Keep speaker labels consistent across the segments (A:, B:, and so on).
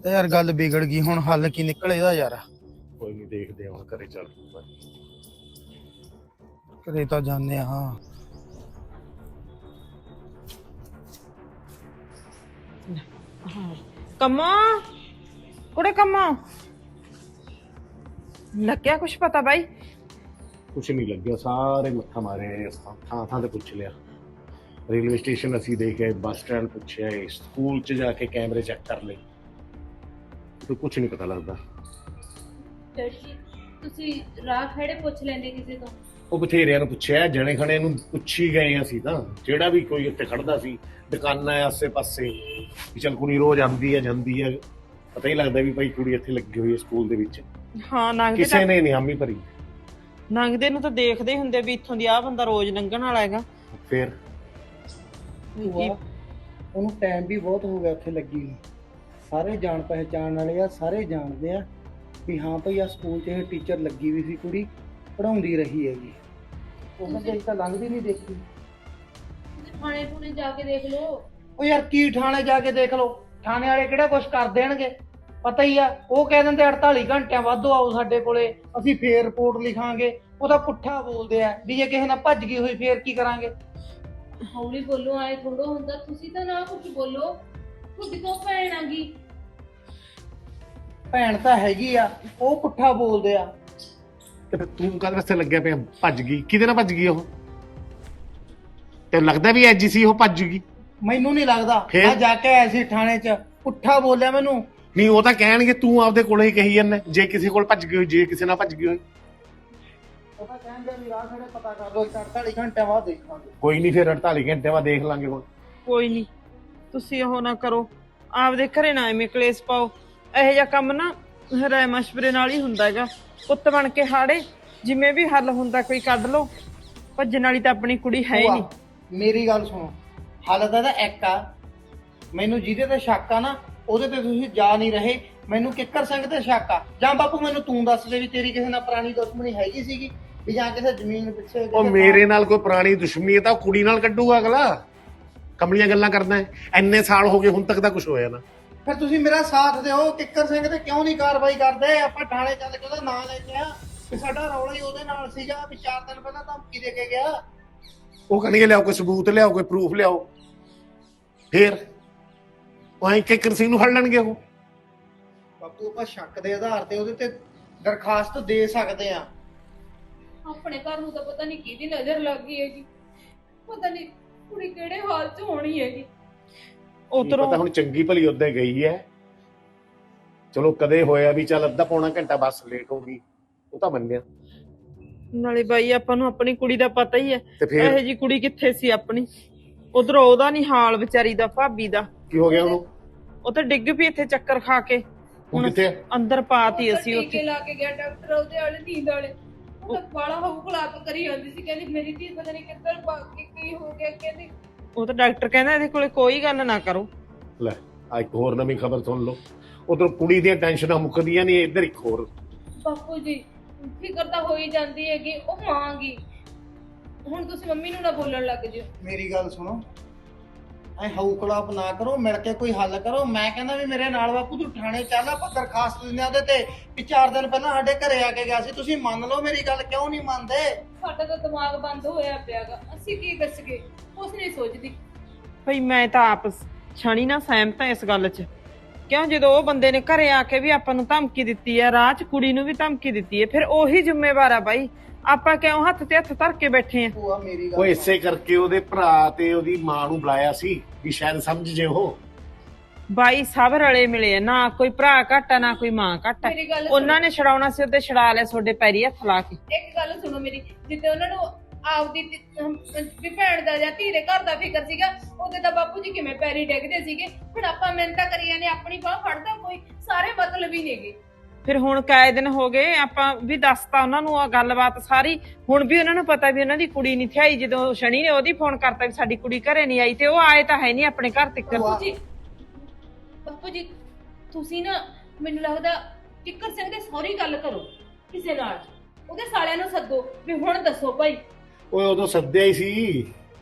A: ਤੇ ਯਾਰ ਗੱਲ ਵਿਗੜ ਗਈ, ਹੁਣ ਹੱਲ ਕੀ ਨਿਕਲ ਇਹਦਾ ਯਾਰ?
B: ਕੋਈ ਨਹੀਂ, ਦੇਖਦੇ ਹਾਂ ਘਰੇ ਚੱਲ।
A: ਘਰੇ ਤਾਂ ਜਾਂਦੇ ਆ। ਹਾਂ
C: ਕੰਮੋ ਕੁੜੇ ਕੰਮੋ ਲੱਗਿਆ ਕੁਛ ਪਤਾ ਬਾਈ?
B: ਕੁਛ ਨਹੀਂ ਲੱਗਿਆ, ਸਾਰੇ ਮੱਥਾ ਮਾਰੇ ਥਾਂ ਥਾਂ ਤੇ ਪੁੱਛ ਲਿਆ। ਰੇਲਵੇ ਸਟੇਸ਼ਨ ਅਸੀਂ ਦੇਖਿਆ, ਬੱਸ ਸਟੈਂਡ ਪੁੱਛਿਆ, ਸਕੂਲ 'ਚ ਜਾ ਕੇ ਕੈਮਰੇ ਚੈੱਕ ਕਰ ਲਏ, ਤੇ ਕੁਛ ਨਹੀਂ ਪਤਾ ਲੱਗਦਾ।
D: ਡੈਡੀ ਜੀ ਤੁਸੀਂ ਰਾਹ ਖੜੇ ਪੁੱਛ ਲੈਂਦੇ ਕਿਸੇ ਤੋਂ।
B: ਉਹ ਬਥੇਰਿਆਂ ਨੂੰ ਪੁੱਛਿਆ, ਜਣੇ ਖਣੇ ਨੂੰ ਪੁੱਛੀ ਗਏ ਅਸੀਂ ਤਾਂ। ਜਿਹੜਾ ਵੀ ਕੋਈ ਉੱਥੇ ਖੜਦਾ ਸੀ, ਦੁਕਾਨਾਂ ਆਸੇ ਪਾਸੇ, ਵੀ ਚੱਲ ਕੁੜੀ ਰੋਜ਼ ਆਉਂਦੀ ਹੈ ਜਾਂਦੀ ਹੈ, ਪਤਾ ਹੀ ਲੱਗਦਾ ਵੀ ਭਾਈ ਕੁੜੀ ਇੱਥੇ ਲੱਗੀ ਹੋਈ ਹੈ ਸਕੂਲ ਦੇ ਵਿੱਚ।
C: ਹਾਂ ਲੰਘਦੇ
B: ਕਿਸੇ ਨੇ ਨਹੀਂ ਹਾਮੀ ਭਰੀ।
C: ਲੰਘਦੇ ਨੂੰ ਤਾਂ ਦੇਖਦੇ ਹੀ ਹੁੰਦੇ ਵੀ ਇੱਥੋਂ ਦੀ ਆਹ ਬੰਦਾ ਰੋਜ਼ ਲੰਘਣ ਵਾਲਾ ਹੈਗਾ।
B: ਫਿਰ
A: ਉਹਨੂੰ ਟਾਈਮ ਵੀ ਬਹੁਤ ਹੋ ਗਿਆ ਉੱਥੇ ਲੱਗੀ ਨੂੰ। ਸਾਰੇ ਜਾਣ ਪਹਿਚਾਣ ਵਾਲੇ ਆ, ਸਾਰੇ ਜਾਣਦੇ ਆ ਵੀ ਹਾਂ ਭਾਈ ਆ ਸਕੂਲ 'ਚ ਇਹ ਟੀਚਰ ਲੱਗੀ ਵੀ ਸੀ, ਕੁੜੀ ਪੜਾਉਂਦੀ ਰਹੀ ਹੈਗੀ। ਉਹਨਾਂ ਦੇ ਤਾਂ ਲੰਘਦੀ ਨਹੀਂ ਦੇਖੀ।
D: ਥਾਣੇ ਥੂਣੇ ਜਾ ਕੇ ਦੇਖ ਲਓ।
A: ਉਹ ਯਾਰ ਕੀ ਥਾਣੇ ਜਾ ਕੇ ਦੇਖ ਲਓ? ਥਾਣੇ ਵਾਲੇ ਕਿਹੜਾ ਕੁਛ ਕਰ ਦੇਣਗੇ? ਪਤਾ ਹੀ ਆ, ਉਹ ਕਹਿ ਦਿੰਦੇ 48 ਘੰਟਿਆਂ ਵੱਧ ਆਓ ਸਾਡੇ ਕੋਲੇ, ਅਸੀਂ ਫੇਰ ਰਿਪੋਰਟ ਲਿਖਾਂਗੇ। ਉਹ ਤਾਂ ਪੁੱਠਾ ਬੋਲਦੇ ਆ ਵੀ ਜੇ ਕਿਸੇ ਨਾਲ ਭੱਜ ਗਈ ਹੋਈ ਫੇਰ ਕੀ ਕਰਾਂਗੇ?
D: ਹੌਲੀ ਬੋਲੋ, ਆਏ ਥੋੜਾ ਹੁੰਦਾ। ਤੁਸੀਂ ਤਾਂ ਨਾ ਕੁਝ ਬੋਲੋ, ਤੁਹਾਡੀ ਤੋਂ ਭੈਣ ਆ ਗਈ।
A: ਭੈਣ ਤਾਂ ਹੈਗੀ ਆ, ਉਹ ਪੁੱਠਾ ਬੋਲਦੇ ਆ।
B: ਤੇ ਫਿਰ ਤੂੰ ਕਾਹਦੇ ਵਾਸਤੇ ਲੱਗਿਆ ਪਿਆ? ਭੱਜ ਗਈ ਕਿਹਦੇ ਨਾਲ ਭੱਜ ਗਈ ਉਹ? ਤੇ ਲੱਗਦਾ ਵੀ ਐਜੀ ਸੀ ਉਹ ਭੱਜ ਗਈ?
A: ਮੈਨੂੰ ਨਹੀਂ ਲੱਗਦਾ।
B: ਫੇਰ?
A: ਮੈਂ ਜਾ ਕੇ ਆਇਆ ਸੀ ਥਾਣੇ 'ਚ, ਪੁੱਠਾ ਬੋਲਿਆ ਮੈਨੂੰ।
B: ਨਹੀਂ, ਉਹ ਤਾਂ ਕਹਿਣਗੇ ਤੂੰ ਆਪਦੇ ਕੋਲੇ ਹੀ ਕਹੀ ਜਾਂਦਾ, ਜੇ ਕਿਸੇ ਕੋਲ ਭੱਜ ਗਈ ਹੋਈ, ਜੇ ਕਿਸੇ ਨਾਲ ਭੱਜ ਗਈ ਹੋਈ।
A: ਉਹ ਤਾਂ ਕਹਿੰਦੇ ਵੀ ਰਾਹ ਖੜੇ ਪਤਾ ਕਰ ਲਓ, 48 ਘੰਟਿਆਂ ਬਾਅਦ ਦੇਖਾਂਗੇ।
B: ਕੋਈ ਨਹੀਂ, ਫਿਰ 48 ਘੰਟੇ ਬਾਅਦ ਦੇਖ ਲਾਂਗੇ ਹੁਣ।
C: ਕੋਈ ਨਹੀਂ, ਤੁਸੀਂ ਉਹ ਨਾ ਕਰੋ, ਆਪਦੇ ਘਰੇ ਨਾ ਐਵੇਂ ਕਲੇਸ਼ ਪਾਓ। ਇਹੋ ਜਿਹਾ ਕੰਮ ਨਾ ਰਾਏ ਮਸ਼ਵਰੇ ਨਾਲ ਹੀ ਹੁੰਦਾ ਹੈਗਾ। ਪੁੱਤ ਬਣ ਕੇ ਹਾੜੇ, ਜਿਵੇਂ ਵੀ ਹੱਲ ਹੁੰਦਾ ਕੋਈ ਕੱਢ ਲਓ। ਭੱਜਣ ਵਾਲੀ ਤਾਂ ਆਪਣੀ ਕੁੜੀ ਹੈ ਹੀ ਨਹੀਂ।
A: ਮੇਰੀ ਗੱਲ ਸੁਣੋ, ਹੱਲ ਤਾਂ ਇੱਕ ਆ। ਮੈਨੂੰ ਜਿਹਦੇ ਤੇ ਸ਼ੱਕ ਆ ਨਾ, ਉਹਦੇ ਤੇ ਤੁਸੀਂ ਜਾ ਨਹੀਂ ਰਹੇ। ਮੈਨੂੰ ਕਿੱਕਰ ਸਿੰਘ ਤੇ ਸ਼ੱਕ ਆ। ਜਾਂ ਬਾਪੂ ਮੈਨੂੰ ਤੂੰ ਦੱਸ ਦੇ ਵੀ ਤੇਰੀ ਕਿਸੇ ਨਾਲ ਪੁਰਾਣੀ ਦੁਸ਼ਮਣੀ ਹੈਗੀ ਸੀਗੀ, ਵੀ ਜਾਂ ਕਿਸੇ ਜ਼ਮੀਨ ਪਿੱਛੇ?
B: ਉਹ ਮੇਰੇ ਨਾਲ ਕੋਈ ਪੁਰਾਣੀ ਦੁਸ਼ਮਣੀ ਹੈ ਤਾਂ ਉਹ ਕੁੜੀ ਨਾਲ ਕੱਢੂਗਾ ਅਗਲਾ। ਕਮਲੀਆਂ ਗੱਲਾਂ ਕਰਦਾ ਹੈ, ਇੰਨੇ ਸਾਲ ਹੋ ਗਏ ਹੁਣ ਤੱਕ ਤਾਂ ਕੁਝ ਹੋਇਆ ਨਾ।
A: ਫਿਰ ਤੁਸੀਂ ਮੇਰਾ ਸਾਥ ਦਿਓ। ਕਿੱਕਰ ਸਿੰਘ ਤੇ ਕਿਉਂ ਨਹੀਂ ਕਾਰਵਾਈ ਕਰਦੇ? ਆਪਾਂ ਥਾਣੇ ਚੱਲ ਕੇ ਉਹਦਾ ਨਾਂ ਲੈਂਦੇ ਆ ਵੀ ਸਾਡਾ ਰੌਲਾ ਹੀ ਉਹਦੇ ਨਾਲ ਸੀਗਾ, ਵੀ 4 ਦਿਨ ਪਹਿਲਾਂ ਧਮਕੀ ਦੇ ਕੇ ਗਿਆ।
B: ਉਹ ਕਹਿਣਗੇ ਲਿਆਓ ਕੋਈ ਸਬੂਤ, ਲਿਆਓ ਕੋਈ ਪ੍ਰੂਫ ਲਿਆਓ। ਫਿਰ ਉਹ ਐਂ ਕਿੱਕਰ ਸਿੰਘ ਨੂੰ ਫੜ ਲੈਣਗੇ ਉਹ।
A: ਬਾਪੂ ਆਪਾਂ ਸ਼ੱਕ ਦੇ ਆਧਾਰ ਤੇ ਉਹਦੇ ਤੇ ਦਰਖਾਸਤ ਦੇ ਸਕਦੇ ਆ।
D: ਆਪਣੇ ਘਰ ਨੂੰ ਤਾਂ ਪਤਾ ਨਹੀਂ ਕਿਹਦੀ ਨਜ਼ਰ ਲੱਗ ਗਈ ਹੈਗੀ। ਪਤਾ ਨਹੀਂ ਕੁੜੀ ਕਿਹੜੇ ਹਾਲ 'ਚ ਹੋਣੀ ਹੈਗੀ।
C: ਉਧਰੋਂ
B: ਪਤਾ ਹੁਣ ਚੰਗੀ ਭਲੀ ਉੱਧੇ ਗਈ ਹੈ। ਚਲੋ ਕਦੇ ਹੋਇਆ ਵੀ ਚੱਲ ਅੱਧਾ ਪੌਣਾ ਘੰਟਾ ਬੱਸ ਲੇਟ ਹੋ ਗਈ, ਉਹ ਤਾਂ ਮੰਨਿਆ।
C: ਨਾਲੇ ਬਾਈ ਆਪਾਂ ਨੂੰ ਆਪਣੀ ਕੁੜੀ ਦਾ ਪਤਾ ਹੀ ਹੈ,
B: ਤੇ ਫਿਰ
C: ਇਹੋ ਜੀ ਕੁੜੀ ਕਿੱਥੇ ਸੀ ਆਪਣੀ। ਉਧਰੋਂ ਉਹਦਾ ਨਹੀਂ ਹਾਲ ਵਿਚਾਰੀ ਦਾ, ਭਾਬੀ ਦਾ।
B: ਕੀ ਹੋ ਗਿਆ ਉਹਨੂੰ?
C: ਉਹ ਤਾਂ ਡਿੱਗ ਪਈ ਇੱਥੇ ਚੱਕਰ ਖਾ ਕੇ।
B: ਹੁਣ ਕਿੱਥੇ ਹੈ?
C: ਅੰਦਰ ਪਾਤੀ
D: ਉਹ ਤਾਂ
C: ਅਸੀਂ
D: ਟੀਕੇ
C: ਉੱਥੇ।
D: ਲਾ ਕੇ ਗਿਆ ਡਾਕਟਰ, ਉਹਦੇ ਵਾਲੇ ਨੀਂਦ ਵਾਲੇ। ਉਹ ਤਾਂ ਬਾਲਾ ਹੌਕਲਾਪ ਕਰੀ ਜਾਂਦੀ ਸੀ, ਕਹਿੰਦੀ ਮੇਰੀ ਧੀ ਪਤਾ ਨਹੀਂ ਕਿੱਧਰ ਭੱਜ ਗਈ, ਕੀ ਹੋ ਗਿਆ। ਕਹਿੰਦੀ
C: ਉਹ ਤਾਂ ਡਾਕਟਰ ਕਹਿੰਦਾ ਇਹਦੇ ਕੋਲੇ ਕੋਈ ਗੱਲ ਨਾ ਕਰੋ।
B: ਲੈ ਆ ਇੱਕ ਹੋਰ ਨਵੀਂ ਖਬਰ ਸੁਣ ਲਓ। ਉਧਰ ਕੁੜੀ ਦੀਆਂ ਟੈਨਸ਼ਨਾਂ ਮੁੱਕਦੀਆਂ ਨਹੀਂ, ਇੱਧਰ ਇੱਕ ਹੋਰ।
D: ਬਾਪੂ ਜੀ ਫਿਕਰ ਤਾਂ ਹੋਈ ਜਾਂਦੀ ਹੈਗੀ, ਉਹ ਮਾਂ ਗੀ। ਹੁਣ ਤੁਸੀਂ ਮੰਮੀ ਨੂੰ ਨਾ ਬੋਲਣ ਲੱਗ ਜਿਓ।
A: ਮੇਰੀ ਗੱਲ ਸੁਣੋ, ਐ ਹੌਕਲਾਪ ਨਾ ਕਰੋ, ਮਿਲ ਕੇ ਕੋਈ ਹੱਲ ਕਰੋ। ਮੈਂ ਕਹਿੰਦਾ ਵੀ ਮੇਰੇ ਨਾਲ ਬਾਪੂ ਤੂੰ ਥਾਣੇ ਚੱਲ, ਆਪਾਂ ਦਰਖਾਸਤ ਦਿੰਦੇ ਆ ਉਹਦੇ ਤੇ ਵੀ 4 ਦਿਨ ਪਹਿਲਾਂ ਸਾਡੇ ਘਰੇ ਆ ਕੇ ਗਿਆ ਸੀ। ਤੁਸੀਂ ਮੰਨ ਲਓ ਮੇਰੀ ਗੱਲ, ਕਿਉਂ ਨਹੀਂ ਮੰਨਦੇ?
D: ਸਾਡਾ ਤਾਂ ਦਿਮਾਗ ਬੰਦ ਹੋਇਆ ਪਿਆਗਾ, ਅਸੀਂ ਕੀ ਦੱਸਗੇ, ਕੁਛ ਨਹੀਂ ਸੋਚਦੀ।
C: ਭਈ ਮੈਂ ਤਾਂ ਆਪ ਛਣੀ ਨਾ ਸਹਿਮਤ ਹਾਂ ਇਸ ਗੱਲ 'ਚ। ਕਿਉਂ ਜਦੋਂ ਉਹ ਬੰਦੇ ਨੇ ਘਰੇ ਆ ਕੇ ਵੀ ਆਪਾਂ ਨੂੰ ਧਮਕੀ ਦਿੱਤੀ ਹੈ, ਰਾਹ 'ਚ ਕੁੜੀ ਨੂੰ ਵੀ ਧਮਕੀ ਦਿੱਤੀ ਹੈ, ਫਿਰ ਉਹੀ ਜ਼ਿੰਮੇਵਾਰ ਆ ਬਾਈ। ਆਪਾਂ ਕਿਉਂ ਹੱਥ ਤੇ ਹੱਥ ਧਰ ਕੇ ਬੈਠੇ ਆ?
A: ਭੂਆ ਮੇਰੀ
B: ਉਹ
A: ਗੱਲ
B: ਇਸੇ ਕਰਕੇ ਉਹਦੇ ਭਰਾ ਤੇ ਉਹਦੀ ਮਾਂ ਨੂੰ ਬੁਲਾਇਆ ਸੀ ਵੀ ਸ਼ਾਇਦ ਸਮਝ ਜੇ ਉਹ।
C: ਬਾਈ ਸਭ ਰਲੇ ਮਿਲੇ ਆ, ਨਾ ਕੋਈ ਭਰਾ ਘੱਟ ਆ ਨਾ ਕੋਈ ਮਾਂ ਘੱਟ ਆ।
D: ਮੇਰੀ ਗੱਲ
C: ਉਹਨਾਂ ਨੇ ਛਡਾਉਣਾ ਸੀ ਉਹਦੇ ਛਡਾ ਲਿਆ, ਤੁਹਾਡੇ ਪੈਰੀ ਹੱਥ ਲਾ ਕੇ।
D: ਇੱਕ ਗੱਲ ਸੁਣੋ ਮੇਰੀ, ਜਿੱਤੇ ਉਹਨਾਂ ਨੂੰ ਆਪਦੀ ਵੀ ਭੈਣ ਦਾ ਜਾਂ ਧੀ ਦੇ ਘਰ ਦਾ ਫਿਕਰ ਸੀਗਾ, ਉਹਦੇ ਤਾਂ ਬਾਪੂ ਜੀ ਕਿਵੇਂ ਪੈਰੀ ਡਿੱਗਦੇ ਸੀਗੇ। ਹੁਣ ਆਪਾਂ ਮਿਹਨਤਾਂ ਕਰੀ ਜਾਂਦੇ, ਆਪਣੀ ਬਾਹ ਫੜਦਾ ਕੋਈ। ਸਾਰੇ ਮਤਲਬ ਹੀ ਨੇਗੇ।
C: ਫਿਰ ਹੁਣ ਕਾਏ ਦਿਨ ਹੋ ਗਏ, ਆਪਾਂ ਵੀ ਦੱਸਤਾ ਉਹਨਾਂ ਨੂੰ ਆ ਗੱਲਬਾਤ ਸਾਰੀ। ਹੁਣ ਵੀ ਉਹਨਾਂ ਨੂੰ ਪਤਾ ਵੀ ਉਹਨਾਂ ਦੀ ਕੁੜੀ ਨਹੀਂ ਥਿਆਈ। ਜਦੋਂ ਸ਼ਨੀ ਨੇ ਉਹਦੀ ਫੋਨ ਕਰਤਾ ਵੀ ਸਾਡੀ ਕੁੜੀ ਘਰੇ ਨਹੀਂ ਆਈ, ਤੇ ਉਹ ਆਏ ਤਾਂ ਹੈ ਨਹੀਂ ਆਪਣੇ ਘਰ ਤੱਕ।
D: ਬਾਪੂ ਜੀ ਤੁਸੀਂ ਨਾ, ਮੈਨੂੰ ਲੱਗਦਾ ਕਿੱਕਰ ਸਿੰਘ ਦੇ ਸਹੁਰੀ ਗੱਲ ਕਰੋ ਕਿਸੇ ਨਾਲ, ਉਹਦੇ ਸਾਲਿਆਂ ਨੂੰ ਸੱਦੋ ਵੀ ਹੁਣ ਦੱਸੋ ਭਾਈ।
B: ਉਹ ਉਦੋਂ ਸੱਦਿਆ ਹੀ ਸੀ,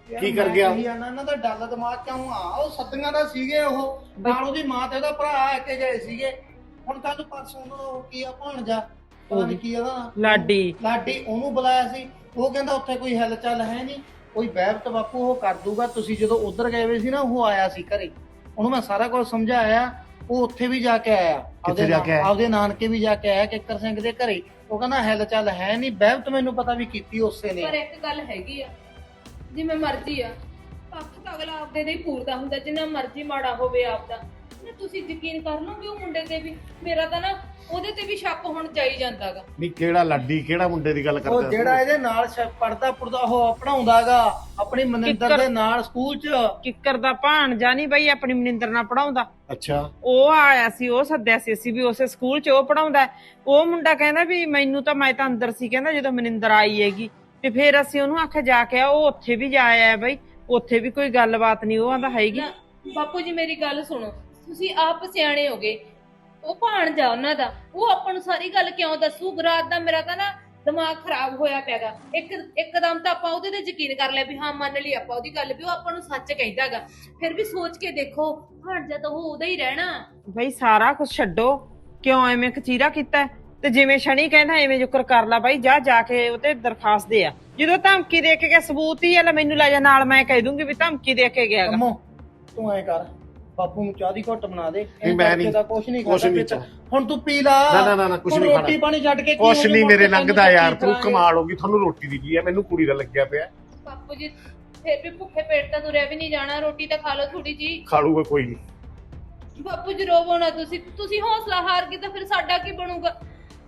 B: ਕੀ ਕਰ ਗਿਆ?
A: ਇਹਨਾਂ ਦਾ ਡੱਲ ਦਿਮਾਗ ਕਿਉਂ ਆ? ਉਹ ਸੱਦੀਆਂ ਦਾ ਸੀਗੇ, ਉਹ ਨਾਲ ਉਹਦੀ ਮਾਂ ਤੇ ਉਹਦਾ ਭਰਾ ਆ ਕੇ ਗਏ ਸੀਗੇ। ਹੁਣ ਕੱਲ ਪਰਸੋਂ ਨੂੰ ਕੀ ਆ ਭਾਣਜਾ, ਪਤਾ ਨੀ ਕੀ ਉਹਦਾ ਲਾਡੀ ਉਹਨੂੰ ਬੁਲਾਇਆ ਸੀ। ਉਹ ਕਹਿੰਦਾ ਉੱਥੇ ਕੋਈ ਹਿਲ ਚੱਲ ਹੈ ਨਹੀਂ, ਕੋਈ ਬਹਿਬਤ ਬਾਪੂ ਉਹ ਕਰ ਦੂਗਾ। ਤੁਸੀਂ ਜਦੋਂ ਉਧਰ ਗਏ ਹੋਏ ਸੀ ਨਾ, ਉਹ ਆਇਆ ਸੀ ਘਰੇ, ਉਹਨੂੰ ਮੈਂ ਸਾਰਾ ਕੁਝ ਸਮਝਾਇਆ। ਉਹ ਉੱਥੇ ਵੀ ਜਾ ਕੇ ਆਇਆ,
B: ਕਿੱਥੇ ਜਾ ਕੇ ਆਇਆ?
A: ਆਪਦੇ ਨਾਨਕੇ ਵੀ ਜਾ ਕੇ ਆਇਆ ਕਿੱਕਰ ਸਿੰਘ ਦੇ ਘਰੇ। ਉਹ ਕਹਿੰਦਾ ਹਿਲ ਚੱਲ ਹੈ ਨਹੀਂ, ਬਹਿਬਤ ਮੈਨੂੰ ਪਤਾ ਵੀ ਕੀਤੀ ਉਸੇ ਨੇ।
D: ਪਰ ਇੱਕ ਗੱਲ ਹੈਗੀ ਆ, ਜਿਵੇਂ ਮਰਜ਼ੀ ਆ, ਪੱਖ ਤਾਂ ਅਗਲਾ ਆਪਦੇ ਦੇ ਹੀ ਪੂਰਦਾ ਹੁੰਦਾ, ਜਿੰਨਾ ਮਰਜ਼ੀ ਮਾੜਾ ਹੋਵੇ ਆਪਦਾ। ਨਾ ਤੁਸੀਂ ਯਕੀਨ ਕਰ ਲਓਗੇ ਉਹ ਮੁੰਡੇ ਤੇ ਵੀ? ਮੇਰਾ ਤਾਂ ਨਾ ਉਹਦੇ ਤੇ ਵੀ ਸ਼ੱਕ ਹੁਣ ਜਾਈ ਜਾਂਦਾਗਾ।
B: ਨਹੀਂ ਕਿਹੜਾ ਲਾਡੀ, ਕਿਹੜਾ ਮੁੰਡੇ ਦੀ ਗੱਲ ਕਰਦਾ?
A: ਉਹ ਜਿਹੜਾ ਇਹਦੇ ਨਾਲ ਪੜਦਾ ਉਹ ਪੜਾਉਂਦਾਗਾ ਆਪਣੀ ਮਨਿੰਦਰ ਦੇ ਨਾਲ ਸਕੂਲ 'ਚ।
C: ਕਿੱਕਰ ਦਾ ਭਾਣਜਾ ਨਹੀਂ ਬਈ ਆਪਣੀ ਮਨਿੰਦਰ ਨਾਲ ਪੜਾਉਂਦਾ।
B: ਅੱਛਾ,
C: ਉਹ ਆਇਆ ਸੀ, ਉਹ ਸੱਦਿਆ ਸੀ ਅਸੀਂ ਵੀ ਉਸੇ ਸਕੂਲ 'ਚ ਉਹ ਪੜਾਉਂਦਾ। ਉਹ ਮੁੰਡਾ ਕਹਿੰਦਾ ਵੀ ਮੈਨੂੰ ਤਾਂ, ਮੈਂ ਤਾਂ ਅੰਦਰ ਸੀ ਕਹਿੰਦਾ ਜਦੋਂ ਮਨਿੰਦਰ ਆਈ ਹੈਗੀ, ਤੇ ਫਿਰ ਅਸੀਂ ਉਹਨੂੰ ਆਖਿਆ ਜਾ ਕੇ ਆ। ਉਹ ਉੱਥੇ ਵੀ ਜਾ ਆਇਆ ਬਈ, ਉੱਥੇ ਵੀ ਕੋਈ ਗੱਲਬਾਤ ਨਹੀਂ ਉਹ ਆਂਦਾ ਹੈਗੀ।
D: ਬਾਪੂ ਜੀ ਮੇਰੀ ਗੱਲ ਸੁਣੋ, ਤੁਸੀਂ ਆਪ ਸਿਆਣੇ ਹੋਗੇ। ਉਹ ਭਾਣਜਾ ਉਹਨਾਂ ਦਾ, ਉਹ ਆਪਾਂ ਨੂੰ ਸਾਰੀ ਗੱਲ ਕਿਉਂ ਦੱਸੂ? ਰਾਤ ਦਾ ਮੇਰਾ ਤਾਂ ਨਾ ਦਿਮਾਗ ਖਰਾਬ ਹੋਇਆ ਪਿਆਗਾ। ਇੱਕਦਮ ਤਾਂ ਆਪਾਂ ਉਹਦੇ ਤੇ ਯਕੀਨ ਕਰ ਲਿਆ ਵੀ ਹਾਂ ਮੰਨ ਲਈ ਆਪਾਂ ਉਹਦੀ ਗੱਲ ਵੀ ਉਹ ਆਪਾਂ ਨੂੰ ਸੱਚ ਕਹਿੰਦਾਗਾ। ਫਿਰ ਵੀ ਸੋਚ ਕੇ ਦੇਖੋ, ਭਾਣਜਾ ਤਾਂ ਉਹ ਉਹਦਾ ਹੀ ਰਹਿਣਾ।
C: ਬਈ ਸਾਰਾ ਕੁਝ ਛੱਡੋ, ਕਿਉਂ ਐਵੇਂ ਕਚੀਰਾ ਕੀਤਾ? ਤੇ ਜਿਵੇਂ ਸ਼ਨੀ ਕਹਿੰਦਾ ਐਵੇਂ ਜ਼ਿਕਰ ਕਰ ਲਾ ਬਾਈ, ਜਾ ਕੇ ਉਹਤੇ ਦਰਖਾਸਤ ਦੇ ਆ। ਜਦੋਂ ਧਮਕੀ ਦੇ ਕੇ ਗਿਆ, ਸਬੂਤ ਹੀ ਆ, ਲੈ ਮੈਨੂੰ ਲੈ ਜਾ ਨਾਲ, ਮੈਂ ਕਹਿ ਦੂੰਗੀ ਵੀ ਧਮਕੀ ਦੇ ਕੇ ਗਿਆ।
A: ਅੰਮੋ ਤੂੰ ਐ ਕਰ, ਬਾਪੂ ਨੂੰ ਚਾਹ ਦੀ ਘੁੱਟ ਬਣਾ ਦੇ।
B: ਮੈਂ ਨਹੀਂ,
A: ਕੁਛ ਨਹੀਂ
B: ਖਾਦਾ।
A: ਹੁਣ ਤੂੰ ਪੀ ਲਾ।
B: ਨਾ ਕੁਛ ਨਹੀਂ ਖਾਣਾ।
A: ਰੋਟੀ ਪਾਣੀ ਛੱਡ ਕੇ
B: ਕੁਛ ਨਹੀਂ ਮੇਰੇ ਲੰਘਦਾ ਯਾਰ, ਤੂੰ ਕਮਾਲ ਹੋ ਗਈ। ਤੁਹਾਨੂੰ ਰੋਟੀ ਦੀ ਕੀ ਹੈ, ਮੈਨੂੰ ਕੁੜੀ ਦਾ ਲੱਗਿਆ ਪਿਆ।
D: ਬਾਪੂ ਜੀ ਫਿਰ ਵੀ ਭੁੱਖੇ ਪੇਟ ਤਾਂ ਤੁਰਿਆ ਵੀ ਨਹੀਂ ਜਾਣਾ, ਰੋਟੀ ਤਾਂ ਖਾ ਲਓ ਥੋੜੀ ਜੀ।
B: ਖਾ ਲੂਗਾ ਕੋਈ ਨਹੀਂ।
D: ਬਾਪੂ ਜੀ ਰੋਵੋ ਨਾ, ਤੁਸੀਂ ਹੌਸਲਾ ਹਾਰ ਗਏ ਤਾਂ ਫਿਰ ਸਾਡਾ ਕੀ ਬਣੂਗਾ?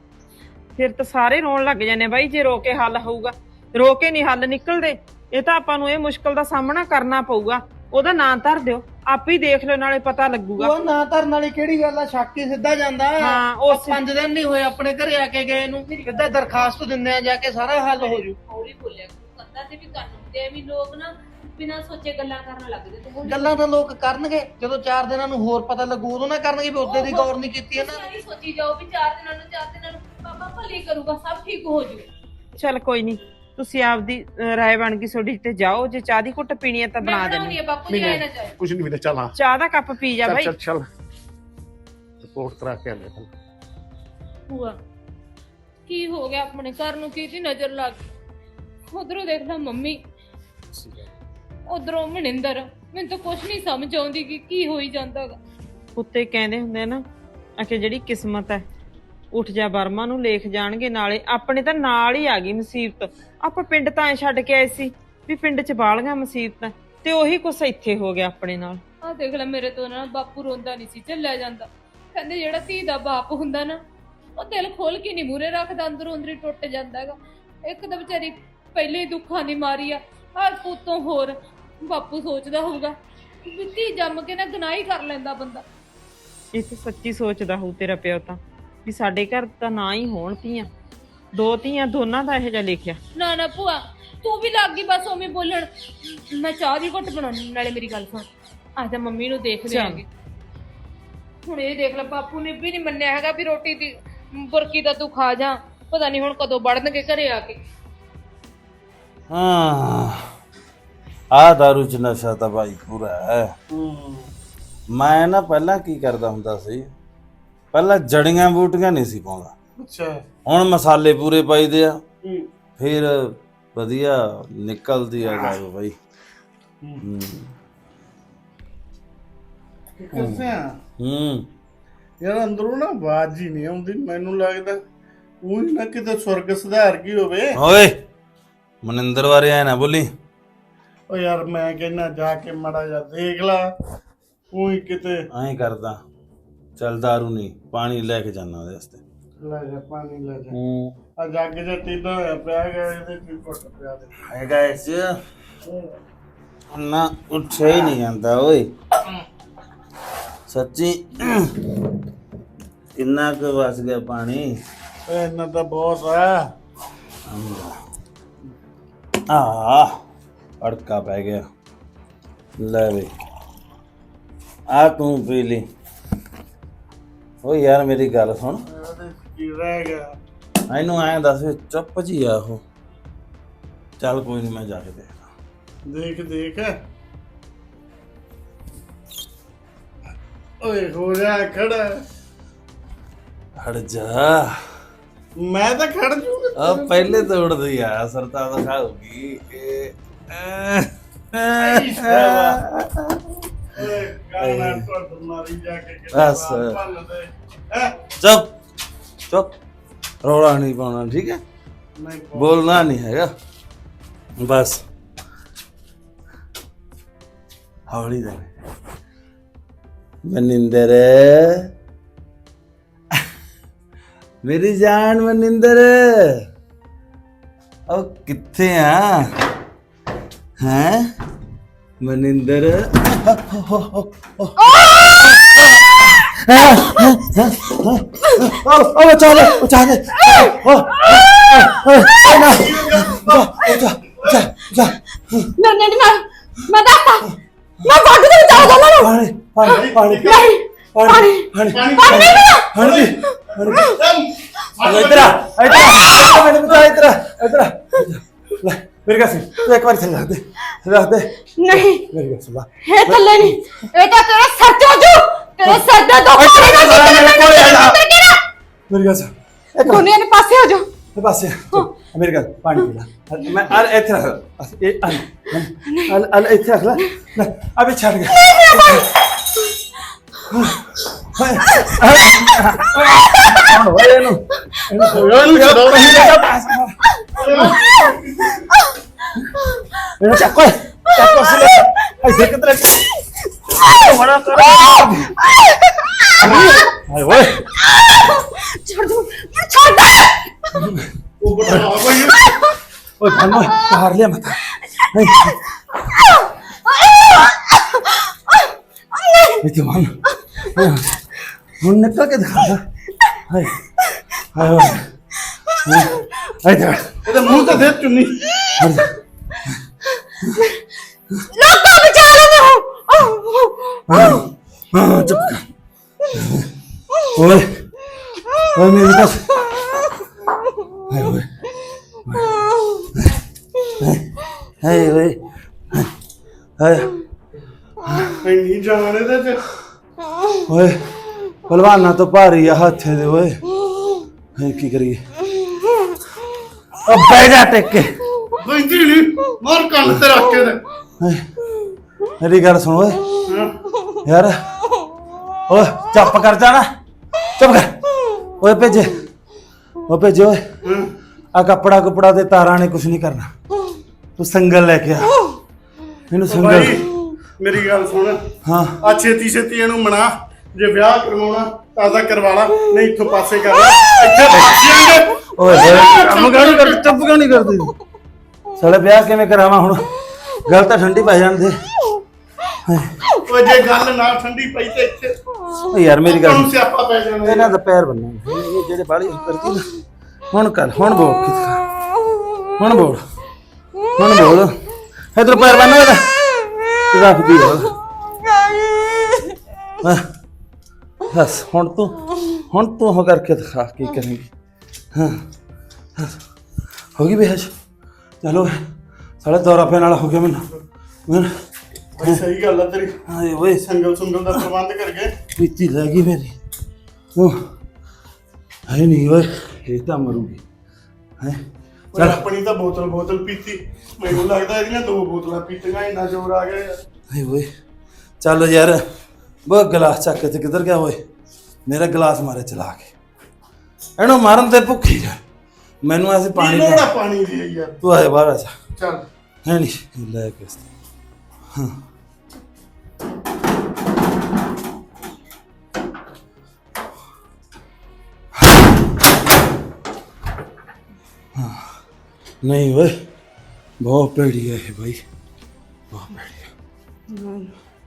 C: ਫਿਰ ਤਾਂ ਸਾਰੇ ਰੋਣ ਲੱਗ ਜਾਂਦੇ ਬਾਈ, ਜੇ ਰੋ ਕੇ ਹੱਲ ਹੋਊਗਾ। ਰੋ ਕੇ ਨਹੀਂ ਹੱਲ ਨਿਕਲਦੇ। ਇਹ ਤਾਂ ਆਪਾਂ ਨੂੰ ਇਹ ਮੁਸ਼ਕਲ ਦਾ ਸਾਹਮਣਾ ਕਰਨਾ ਪਊਗਾ। ਉਹਦਾ ਨਾਂ ਧਰ ਦਿਓ, ਆਪੇ ਹੀ ਦੇਖ ਲਿਓ, ਨਾਲੇ ਪਤਾ ਲੱਗੂਗਾ।
A: ਉਹ ਨਾਂ ਧਰਨ ਵਾਲੀ ਕਿਹੜੀ ਗੱਲ ਆ? ਸ਼ੱਕ ਹੀ ਸਿੱਧਾ ਜਾਂਦਾ।
C: ਹਾਂ,
A: ਉਹ 5 ਦਿਨ ਨਹੀਂ ਹੋਏ ਆਪਣੇ ਘਰੇ ਆ ਕੇ ਗਏ ਨੂੰ, ਸਿੱਧਾ ਦਰਖਾਸਤ ਦਿੰਦੇ ਆ ਜਾ ਕੇ, ਸਾਰਾ ਹੱਲ ਹੋ ਜੂ।
D: ਹੌਲੀ ਬੋਲਿਆ ਕੰਦਾ ਤੇ ਵੀ ਕੰਨ ਹੁੰਦੇ ਆ ਵੀ ਲੋਕ ਨਾ ਬਿਨਾਂ ਸੋਚੇ ਗੱਲਾਂ ਕਰਨ ਲੱਗਦੇ। ਤੇ ਹੁਣ
A: ਗੱਲਾਂ ਤਾਂ ਲੋਕ ਕਰਨਗੇ ਜਦੋਂ 4 ਦਿਨਾਂ ਨੂੰ ਹੋਰ ਪਤਾ ਲੱਗੂ, ਉਦੋਂ ਨਾ ਕਰਨਗੇ ਵੀ ਉਹਦੇ ਦੀ ਗੌਰ ਨਹੀਂ ਕੀਤੀ ਇਹਨਾਂ ਨੇ।
D: ਤੁਸੀਂ ਸੋਚੀ ਜਾਓ ਵੀ 4 ਦਿਨਾਂ ਨੂੰ ਬਾਬਾ ਭਲੀ ਕਰੂਗਾ, ਸਭ ਠੀਕ ਹੋ ਜੂ।
C: ਚੱਲ ਕੋਈ ਨਹੀਂ, ਤੁਸੀਂ ਆਪਦੀ ਰਾਏ ਬਣ ਗਈ ਤੁਹਾਡੀ ਤੇ ਜਾਓ। ਜੇ ਚਾਹ ਦੀ ਘੁੱਟ ਪੀਣੀ ਹੈ ਤਾਂ ਬਣਾ ਦੇਣੀ।
D: ਬਾਪੂ ਜੀ ਆਏ ਨਾ ਜਾਏ।
B: ਕੁਛ ਨਹੀਂ ਵੀਰੇ, ਚੱਲ ਹਾਂ
C: ਚਾਹ ਦਾ ਕੱਪ ਪੀ ਜਾ ਬਾਈ।
B: ਚੱਲ ਰਿਪੋਰਟ ਕਰਾ ਕੇ ਆਲੇ।
D: ਭੂਆ ਕੀ ਹੋ ਗਿਆ? ਆਪਣੇ ਘਰ ਨੂੰ ਕਿਹਦੀ ਨਜ਼ਰ ਲੱਗ ਗਈ? ਉਧਰੋਂ ਦੇਖ ਲੈ ਮੰਮੀ, ਉਧਰੋਂ ਮਨਿੰਦਰ। ਮੈਨੂੰ ਤਾਂ ਕੁਛ ਨਹੀਂ ਸਮਝ ਆਉਂਦੀ ਕਿ ਕੀ ਹੋਈ ਜਾਂਦਾਗਾ।
C: ਕੁੱਤੇ ਕਹਿੰਦੇ ਹੁੰਦੇ ਨਾ ਕਿ ਜਿਹੜੀ ਕਿਸਮਤ ਹੈ, ਉੱਠ ਜਾ ਬਰਮਾ ਨੂੰ ਲੇਖ ਜਾਣਗੇ ਨਾਲੇ। ਆਪਣੇ ਤਾਂ ਨਾਲ ਹੀ ਆ ਗਈ ਮੁਸੀਬਤ। ਆਪਾਂ ਪਿੰਡ ਤਾਂ ਐ ਛੱਡ ਕੇ ਆਏ ਸੀ ਵੀ ਪਿੰਡ 'ਚ ਬਾਲੀਆਂ ਮੁਸੀਬਤਾਂ, ਤੇ ਉਹੀ ਕੁਛ ਇੱਥੇ ਹੋ ਗਿਆ ਆਪਣੇ ਨਾਲ।
D: ਆਹ ਦੇਖ ਲੈ, ਮੇਰੇ ਤੋਂ ਨਾ ਬਾਪੂ ਰੋਂਦਾ ਨਹੀਂ ਸੀ ਚੱਲਿਆ ਜਾਂਦਾ। ਕਹਿੰਦੇ ਜਿਹੜਾ ਧੀ ਦਾ ਬਾਪ ਹੁੰਦਾ ਨਾ, ਉਹ ਦਿਲ ਖੋਲ ਕੇ ਨਹੀਂ ਮੂਰੇ ਰੱਖਦਾ, ਅੰਦਰੋਂ ਅੰਦਰੀ ਟੁੱਟ ਜਾਂਦਾ ਹੈਗਾ। ਇੱਕ ਤਾਂ ਵਿਚਾਰੀ ਪਹਿਲੇ ਹੀ ਦੁੱਖਾਂ ਦੀ ਮਾਰੀ ਆ, ਹਰ ਪੁੱਤੋਂ ਹੋਰ ਬਾਪੂ ਸੋਚਦਾ ਹੋਊਗਾ ਵੀ ਧੀ ਜੰਮ ਕੇ ਨਾ ਗੁਨਾਹ ਕਰ ਲੈਂਦਾ ਬੰਦਾ।
C: ਇਹ ਤਾਂ ਸੱਚੀ ਸੋਚਦਾ ਹੋਊ ਤੇਰਾ ਪਿਓ ਤਾਂ, ਵੀ ਸਾਡੇ ਘਰ ਤਾਂ ਨਾ ਹੀ ਹੋਣ ਧੀਆਂ। 2 ਧੀਆਂ ਦੋਨਾਂ ਦਾ ਇਹੋ ਜਿਹਾ ਲਿਖਿਆ।
D: ਨਾ ਭੂਆ ਤੂੰ ਵੀ ਲੱਗ ਗਈ ਬਸ ਉਵੇਂ ਬੋਲਣ। ਮੈਂ ਚਾਹ ਦੀ ਘੁੱਟ ਬਣਾਉਣੀ, ਨਾਲੇ ਮੇਰੀ ਗੱਲ ਸੁਣ, ਅੱਜ ਤਾਂ ਮੰਮੀ ਨੂੰ ਦੇਖਦੇ ਆਂਗੇ। ਹੁਣ ਇਹ ਦੇਖ ਲੈ, ਬਾਪੂ ਨੇ ਵੀ ਨਹੀਂ ਮੰਨਿਆ ਹੈਗਾ ਵੀ ਰੋਟੀ ਦੀ ਬੁਰਕੀ ਦਾ ਤੂੰ ਖਾ ਜਾ। ਪਤਾ ਨਹੀਂ ਹੁਣ ਕਦੋਂ ਵੜਨਗੇ ਘਰੇ ਆ ਕੇ।
E: ਹਾਂ, ਆ ਦਾਰੂ ਚ ਨਸ਼ਾ ਤਾਂ ਭਾਈ ਪੂਰਾ ਹੈ। ਮੈਂ ਨਾ ਪਹਿਲਾਂ ਕੀ ਕਰਦਾ ਹੁੰਦਾ ਸੀ, ਪਹਿਲਾਂ ਜੜੀਆਂ ਬੂਟੀਆਂ ਨਹੀਂ ਸੀ ਪਾਉਂਦਾ।
B: ਅੱਛਾ,
E: ਹੁਣ ਮਸਾਲੇ ਪੂਰੇ ਪਾਈਦੇ ਆ, ਫਿਰ ਵਧੀਆ ਨਿਕਲਦੀ ਆ ਦਾਰੂ ਭਾਈ।
F: ਯਾਰ ਅੰਦਰੋਂ ਨਾ ਆਵਾਜ਼ ਹੀ ਨਹੀਂ ਆਉਂਦੀ। ਮੈਨੂੰ ਲੱਗਦਾ ਉਹ ਨਾ ਕਿਤੇ ਸੁਰਗ ਸੁਧਾਰ ਗਈ ਹੋਵੇ।
E: ਓਏ ਮਨਿੰਦਰ ਬਾਰੇ ਆਇਆ ਨਾ ਬੋਲੀ।
F: ਓ ਯਾਰ ਮੈਂ ਕਹਿੰਦਾ ਜਾ ਕੇ ਮਾੜਾ ਜਿਹਾ ਦੇਖ ਲਾ, ਉਹੀ ਕਿਤੇ
E: ਐਂ ਕਰਦਾ। ਚੱਲ ਦਾਰੂ ਨਹੀਂ, ਪਾਣੀ ਲੈ ਕੇ ਜਾਣਾ ਉਹਦੇ ਵਾਸਤੇ।
F: ਲੈ ਜਾ ਪਾਣੀ ਲੈ ਜਾ। ਆ ਜੱਗ ਜਿਹਾ ਟੀਡਾ ਹੋਇਆ ਪਿਆ ਹੈਗਾ, ਇਹਦੇ ਚ ਘੁੱਟ ਪਿਆ ਦੇ
E: ਹੈਗਾ ਇਸ ਨਾ, ਉੱਠਿਆ ਹੀ ਨਹੀਂ ਜਾਂਦਾ ਓਏ ਸੱਚੀ। ਕਿੰਨਾ ਕੁ ਵਸ ਗਿਆ ਪਾਣੀ?
F: ਇਹਨਾਂ ਤਾਂ ਬਹੁਤ ਆ।
E: ਅੜਕਾ ਪੈ ਗਿਆ। ਲੈ ਵੇ ਆ ਤੂੰ ਪੀ ਲਈ। ਓ ਯਾਰ ਮੇਰੀ ਗੱਲ ਸੁਣ,
F: ਇਹਦੇ ਕੀ ਰਹਿ ਗਿਆ?
E: ਇਹਨੂੰ ਐਂ ਦੱਸ ਚੁੱਪ ਜੀ ਆ ਉਹ। ਚੱਲ ਕੋਈ ਨਹੀਂ, ਮੈਂ ਜਾ ਕੇ ਦੇਖਦਾ।
F: ਦੇਖ ਦੇਖ ਓਏ ਹੋ ਜਾ ਖੜਾ।
E: ਹਟ ਜਾ।
F: ਮੈਂ ਤਾਂ ਖੜ ਜੂਗਾ।
E: ਆ ਪਹਿਲੇ ਤਾਂ ਉੜਦੀ ਆ ਸਰਤਾ ਤਾਂ ਖਾਊਗੀ
F: ਓਏ ਗਾਣਾ ਟੁੱਟ ਮਾਰੀ ਜਾ ਕੇ
E: ਬਸ।
F: ਭੰਨ ਦੇ। ਹੈਂ?
E: ਚੁੱਪ ਚੁੱਪ, ਰੌਲਾ ਨਹੀਂ ਪਾਉਣਾ, ਠੀਕ ਹੈ?
F: ਨਹੀਂ
E: ਬੋਲਣਾ ਨਹੀਂ ਹੈਗਾ ਬਸ। ਹੌਲੀ ਦੇ ਮਨਿੰਦਰ, ਮੇਰੀ ਜਾਨ ਮਨਿੰਦਰ, ਉਹ ਕਿੱਥੇ ਆ ਹੈ ਮਨਿੰਦਰ? ਉਹ ਬਚਾ ਲੈ ਬਚਾ ਲੈ।
D: ਨਹੀਂ ਮੈਂ ਦੱਸਦਾ ਮੈਂ ਕੱਢ ਦੇ ਚਾਹ ਦੋਨਾਂ ਨੂੰ।
E: ਪਾਣੀ ਪਾਣੀ ਪਾਣੀ
D: ਨਹੀਂ
E: ਪਾਣੀ ਪਾਣੀ
D: ਪਾਣੀ ਨਹੀਂ ਪੀਣਾ।
E: ਪਾਣੀ ਇਧਰ ਆ ਇਧਰ ਆ ਮੈਨੂੰ ਬਚਾ ਇਧਰ ਇਧਰ ਲੈ ਮੇਰੇ ਕੋਲ ਤੂੰ ਇੱਕ ਵਾਰ ਥੱਲੇ ਰੱਖ ਦੇ
D: ਨਹੀਂ
E: ਮੇਰੀ ਗੱਲ ਸੁਣ ਲੈ।
D: ਇਹ ਥੱਲੇ ਨਹੀਂ, ਇਹ ਤਾਂ ਤੇਰਾ ਸਿਰ ਤੇ ਹੋ ਜੂ। ਤੇਰੇ ਸਿਰ ਦੇ ਦੋ
E: ਮੇਰੀ ਗੱਲ ਸੁਣ ਇੱਕ
D: ਦੁਨੀਆ ਦੇ ਪਾਸੇ ਹੋ ਜਾ।
E: ਬਸ ਮੇਰੇ ਕੋਲ ਪਾਣੀ ਪੀ ਲੈ। ਮੈਂ ਆ ਇੱਥੇ ਰੱਖ ਇਹ ਆ ਇੱਥੇ ਰੱਖ ਲੈ ਅਬੇ ਛੱਡ ਗਿਆ। ਹੋਏ ਇਹਨੂੰ ਇਹਨੂੰ ਚੱਕੋ ਚੱਕੋ ਸੀ ਇੱਥੇ ਕਿਧਰ ਬੜਾ ਕਰ ਹਾਏ ਓਏ
D: ਛੱਡ ਦੂੰ ਛੱਡ।
F: ਉਹ ਬੜਾ ਕੋਈ
E: ਓਏ ਭਾਨੋ ਬਾਹਰ ਲਿਆ ਮਤ ਇੱਥੇ ਮਾਨ ਹੁਣ ਨਿਕਲ ਕੇ ਦਿਖਾ ਹਾਏ ਹਾਏ ਇੱਧਰ
F: ਇਹਦੇ ਮੂੰਹ ਤੇ ਦੇ ਚੁੰਨੀ।
D: ਲੋਕਾਂ ਵਿਚਾਰੇ ਨੇ
E: ਹਾਂ ਚੁੱਪ ਕਰ ਓਏ ਓਏ ਮੇਰੀ ਤਾਂ ਹਾਏ ਓਏ ਹਾਏ ਓਏ ਹਾਏ
F: ਇੰਨੀ ਜਾਨ ਇਹਦੇ ਚ।
E: ਓਏ ਪਹਿਲਵਾਨਾਂ ਤੋਂ ਭਾਰੀ ਆ ਹੱਥੇ ਦੇ ਓਏ ਹਾਏ ਕੀ ਕਰੀਏ। ਓ ਬਹਿ ਜਾ ਟਿਕ ਕੇ
F: ਬੈਂਦੀ ਨਹੀਂ ਮਾਰ ਕੰਨ ਤੇ ਰੱਖ ਕੇ ਦੇ।
E: ਹਾਏ ਮੇਰੀ ਗੱਲ ਸੁਣ ਓਏ
F: ਹਾਂ।
E: ਯਾਰ ਓਏ ਚੁੱਪ ਕਰ ਜਾਣਾ ਚੁੱਪ ਕਰ ਓਏ ਭੇਜੇ ਓ ਭੇਜੇ ਓਏ
F: ਹਾਂ।
E: ਆ ਕੱਪੜਾ ਤੇ ਤਾਰਾਂ ਨੇ ਕੁਝ ਨਹੀਂ ਕਰਨਾ। ਤੂੰ ਸੰਗਲ ਲੈ ਕੇ ਆ ਇਹਨੂੰ ਸੰਗਲ।
F: ਭਾਈ ਮੇਰੀ ਗੱਲ ਸੁਣ।
E: ਹਾਂ
F: ਆ ਛੇਤੀ ਛੇਤੀ ਇਹਨੂੰ ਮਨਾ। ਜੇ ਵਿਆਹ ਕਰਵਾਉਣਾ ਤਾਂ ਕਰਵਾ ਲਾ, ਨਹੀਂ ਇੱਥੋਂ ਪਾਸੇ ਕਰ ਲੈ। ਇੱਥੇ ਫਸਿਆਂਗੇ।
E: ਓਏ ਹੋਏ ਕੰਮ ਕਿਉਂ ਨਹੀਂ ਕਰਦੀ ਚੁੱਪ ਕਿਉਂ ਨਹੀਂ ਕਰਦੀ ਸਾਲੇ ਵਿਆਹ ਕਿਵੇਂ ਕਰਾਵਾਂ ਹੁਣ ਗੱਲ ਤਾਂ ਠੰਡੀ ਪੈ ਜਾਣ ਦੇ।
F: ਓਏ ਜੇ ਗੱਲ ਨਾ ਠੰਡੀ ਪਈ ਤੇ ਇੱਥੇ
E: ਓ ਯਾਰ ਮੇਰੀ ਗੱਲ
F: ਤੁਹਾਨੂੰ ਸਿਆਪਾ ਪੈ ਜਾਣਾ।
E: ਇਹਨਾਂ ਦਾ ਪੈਰ ਬੰਨਾਂਗੇ ਇਹ ਜਿਹੜੇ ਬਾਲੀ ਕਰਦੀ ਨਾ ਹੁਣ ਕਰ ਹੁਣ ਬੋਲ ਹੁਣ ਬੋਲ ਹੁਣ ਬੋਲ ਇਧਰ ਪੈਰ ਬੰਨ ਇਹਦਾ ਰੱਖਦੀ ਹੋ ਬਸ ਹੁਣ ਤੂੰ ਹੋ ਕਰਕੇ ਦਿਖਾ ਕੀ ਕਰੇਂਗੀ। ਹਾਂ ਹੋ ਗਈ ਬੇਹਸ਼ ਚਲੋ ਸਾਲੇ ਦੌਰਾ ਪੈਣ ਵਾਲਾ ਹੋ ਗਿਆ ਮੈਨੂੰ
F: ਓਏ ਸਹੀ ਗੱਲ ਆ ਤੇਰੀ।
E: ਹਾਏ ਓਏ
F: ਸੰਗਲ ਸੁੰਗਲ ਦਾ ਪ੍ਰਬੰਧ ਕਰਕੇ
E: ਪੀਤੀ ਰਹਿ ਗਈ ਮੇਰੀ ਉਹ ਹੈ ਨਹੀਂ ਓਏ ਇਹ ਤਾਂ ਮਰੂਗੀ ਹੈ
F: ਓਏ ਆਪਣੀ ਤਾਂ ਬੋਤਲ ਪੀਤੀ। ਮੈਨੂੰ ਲੱਗਦਾ ਇਹਦੀਆਂ 2 ਬੋਤਲਾਂ ਪੀਤੀਆਂ ਇੰਨਾ ਜ਼ੋਰ ਆ ਗਿਆ ਯਾਰ।
E: ਹਾਏ ਓਏ ਚੱਲ ਯਾਰ ਉਹ ਗਲਾਸ ਚੱਕ ਕੇ ਤੇ ਕਿੱਧਰ ਗਿਆ ਓਏ ਮੇਰਾ ਗਲਾਸ ਮਾਰੇ ਚਲਾ ਕੇ ਇਹਨੂੰ ਮਾਰਨ ਤੇ ਭੁੱਖੀ ਜਾ ਮੈਨੂੰ ਐਸੇ ਪਾਣੀ
F: ਲੋੜਾ ਪਾਣੀ ਦੀ ਯਾਰ।
E: ਤੂੰ ਆਏ ਬਾਹਰ ਆ ਜਾ
F: ਚੱਲ
E: ਹੈ ਨਹੀਂ ਲੈ ਕੇ ਹਾਂ नहीं वे बहुत पेड़ी है भाई बहुत पेड़ी है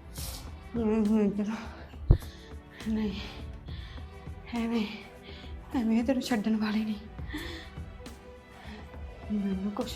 D: ਨਹੀਂ ਐਵੇਂ ਤੈਨੂੰ ਛੱਡਣ ਵਾਲੇ ਨਹੀਂ। ਮੈਨੂੰ ਕੁਛ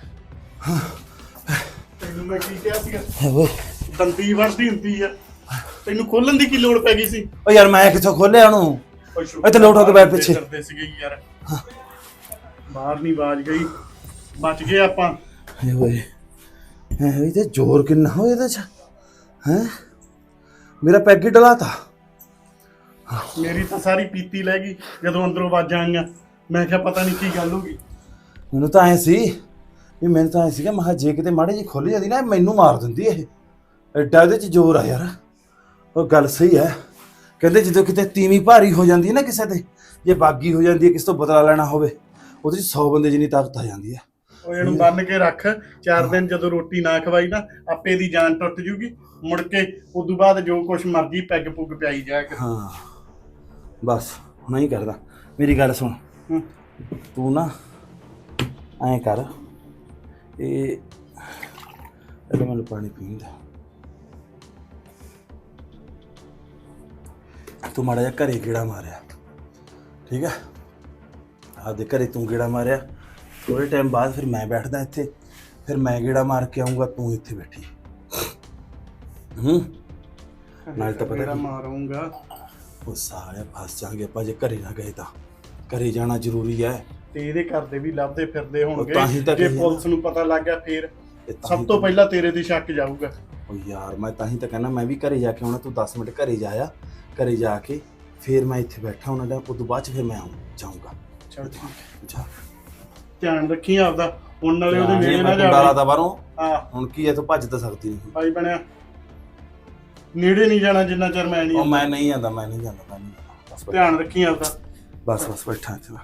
F: ਤੈਨੂੰ ਮੈਂ ਕੀ ਕਿਹਾ ਸੀਗਾ
E: है वो
F: ਦੰਦੀ ਵੜਦੀ ਹੁੰਦੀ ਆ। ਤੈਨੂੰ ਖੋਲਣ ਦੀ ਕੀ ਲੋੜ ਪੈ ਗਈ ਸੀ?
E: ओ यार मैं किथों खोले ओनू ਇੱਥੇ ਲੋਟ ਹੋ ਕੇ ਬੈਠ ਪਿੱਛੇ।
F: ਕਰਦੇ ਸੀਗੇ ਯਾਰ। ਬਾਹਰ ਨਹੀਂ ਬਾਜ ਗਈ, ਬਚ ਗਏ ਆਪਾਂ।
E: है वो ਇਹਦੇ ਜ਼ੋਰ ਕਿੰਨਾ ਹੋ ਇਹਦੇ ਚ ਹੈ। ਮੇਰਾ ਪੈਗ ਹੀ ਡਲਾਤਾ।
F: ਮੇਰੀ ਤਾਂ ਸਾਰੀ ਪੀਤੀ ਲੈ ਗਈ ਜਦੋਂ ਅੰਦਰੋਂ ਆਵਾਜ਼ਾਂ ਆਈਆਂ। ਮੈਂ ਕਿਹਾ ਪਤਾ ਨਹੀਂ ਕੀ ਗੱਲ ਹੋ ਗਈ।
E: ਮੈਨੂੰ ਤਾਂ ਐ ਸੀ ਵੀ ਮੈਨੂੰ ਤਾਂ ਐ ਸੀਗਾ ਮੈਂ ਕਿਹਾ ਜੇ ਕਿਤੇ ਮਾੜੀ ਜਿਹੀ ਖੁੱਲ ਜਾਂਦੀ ਨਾ ਇਹ ਮੈਨੂੰ ਮਾਰ ਦਿੰਦੀ ਇਹ। ਐਡਾ ਇਹਦੇ ਚ ਜ਼ੋਰ ਆ ਯਾਰ। ਉਹ ਗੱਲ ਸਹੀ ਹੈ, ਕਹਿੰਦੇ ਜਦੋਂ ਕਿਤੇ ਤੀਵੀਂ ਭਾਰੀ ਹੋ ਜਾਂਦੀ ਹੈ ਨਾ ਕਿਸੇ ਤੇ, ਜੇ ਬਾਗੀ ਹੋ ਜਾਂਦੀ ਹੈ ਕਿਸੇ ਤੋਂ ਬਦਲਾ ਲੈਣਾ ਹੋਵੇ, ਉਹਦੇ ਚ 100 ਬੰਦੇ ਜਿੰਨੀ ਤਾਕਤ ਆ ਜਾਂਦੀ ਹੈ।
F: ਉਹ ਇਹਨੂੰ ਬੰਨ ਕੇ ਰੱਖ। 4 ਦਿਨ ਜਦੋਂ ਰੋਟੀ ਨਾ ਖਵਾਈ ਨਾ ਆਪੇ ਦੀ ਜਾਨ ਟੁੱਟ ਜੂਗੀ। ਮੁੜ ਕੇ ਉਦੋਂ ਬਾਅਦ ਜੋ ਕੁਛ ਮਰਜ਼ੀ ਪੈਗ ਪੁੱਗ ਪਿਆਈ ਜਾ ਕੇ।
E: ਹਾਂ ਬਸ ਹੁਣ ਹੀ ਕਰਦਾ। ਮੇਰੀ ਗੱਲ ਸੁਣ,
F: ਹੂੰ।
E: ਤੂੰ ਨਾ ਐਂ ਕਰ, ਇਹ ਪਹਿਲਾਂ ਮੈਨੂੰ ਪਾਣੀ ਪੀਣ ਦੇ। ਤੂੰ ਮਾੜਾ ਜਿਹਾ ਘਰੇ ਗੇੜਾ ਮਾਰਿਆ, ਠੀਕ ਹੈ? ਆਪਦੇ ਘਰੇ ਤੂੰ ਗੇੜਾ ਮਾਰਿਆ, ਥੋੜੇ ਟਾਈਮ ਬਾਅਦ ਫਿਰ ਮੈਂ ਬੈਠਦਾ ਇੱਥੇ, ਫਿਰ ਮੈਂ ਗੇੜਾ ਮਾਰ ਕੇ ਆਊਂਗਾ, ਤੂੰ ਇੱਥੇ ਬੈਠੀ। ਨਾਲ ਤਾਂ ਪਤਾ
F: ਮੇਰਾ
E: ਕੀ,
F: ਮਾਰੂੰਗਾ।
E: ਉਹ ਸਾਰੇ ਫਸ ਜਾਣਗੇ ਆਪਾਂ ਜੇ ਘਰੇ ਨਾ ਗਏ ਤਾਂ। ਘਰੇ ਜਾਣਾ ਜ਼ਰੂਰੀ ਹੈ।
F: ਤੇ ਇਹਦੇ ਘਰ ਦੇ ਵੀ ਲੱਭਦੇ ਫਿਰਦੇ ਹੋਣਗੇ।
E: ਤਾਂ ਹੀ ਤਾਂ
F: ਜੇ
E: ਕਹੀ
F: ਪੁਲਿਸ ਨੂੰ ਪਤਾ ਲੱਗ ਗਿਆ ਫੇਰ
E: ਇਹ ਤਾਂ
F: ਸਭ
E: ਹੀ
F: ਤੋਂ
E: ਤਾਂ-
F: ਪਹਿਲਾਂ ਤੇਰੇ ਦੀ ਸ਼ੱਕ ਜਾਊਗਾ।
E: ਉਹ ਯਾਰ ਮੈਂ ਤਾਂ ਹੀ ਤਾਂ ਕਹਿੰਦਾ ਮੈਂ ਵੀ ਘਰੇ ਜਾ ਕੇ ਆਉਣਾ। ਤੂੰ 10 ਮਿੰਟ ਘਰੇ ਜਾਇਆ, ਘਰੇ ਜਾ ਕੇ ਫਿਰ ਮੈਂ ਇੱਥੇ ਬੈਠਾ ਉਹਨਾਂ ਦਾ, ਉਦੋਂ ਬਾਅਦ ਚ ਫਿਰ ਮੈਂ ਜਾਊਂਗਾ।
F: ਚਲ ਠੀਕ ਹੈ।
E: ਜਾ
F: ਧਿਆਨ ਰੱਖੀ ਆਪਦਾ। ਹੁਣ ਨਾਲੇ ਉਹਦੇ ਨੇੜੇ ਨਾ
E: ਮੈਂ
F: ਜਾਵੇ।
E: ਡਾਲਾ ਦਾ ਬਾਹਰੋਂ।
F: ਹਾਂ
E: ਹੁਣ ਕੀ ਹੈ, ਤੂੰ ਭੱਜ ਤਾਂ ਸਕਦੀ ਨਹੀਂ।
F: ਭਾਈ ਬਣਿਆ, ਨੇੜੇ ਨਹੀਂ ਜਾਣਾ ਜਿੰਨਾ ਚਿਰ ਮੈਂ ਨਹੀਂ
E: ਉਹ
F: ਆਉਂਦਾ।
E: ਮੈਂ ਨਹੀਂ ਜਾਂਦਾ, ਮੈਂ ਨਹੀਂ ਜਾਂਦਾ, ਮੈਂ ਨਹੀਂ ਜਾਂਦਾ। ਬਸ
F: ਧਿਆਨ ਰੱਖੀ ਆਪਦਾ।
E: ਬਸ ਬਸ ਬੈਠਾ ਇੱਥੇ ਮੈਂ।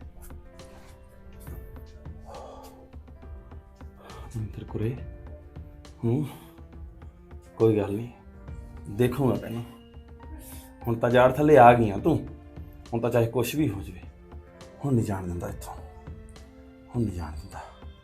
E: ਮਿੰਦਰ ਕੁਰੇ, ਕੋਈ ਗੱਲ ਨਹੀਂ, ਦੇਖੂਗਾ ਤੈਨੂੰ। ਹੁਣ ਤਾਂ ਜਾੜ ਥੱਲੇ ਆ ਗਈਆਂ ਤੂੰ, ਹੁਣ ਤਾਂ ਚਾਹੇ ਕੁਛ ਵੀ ਹੋ ਜਾਵੇ, ਹੁਣ ਨਹੀਂ ਜਾਣ ਦਿੰਦਾ ਇੱਥੋਂ, ਹੁਣ ਨਹੀਂ ਜਾਣ ਦਿੰਦਾ।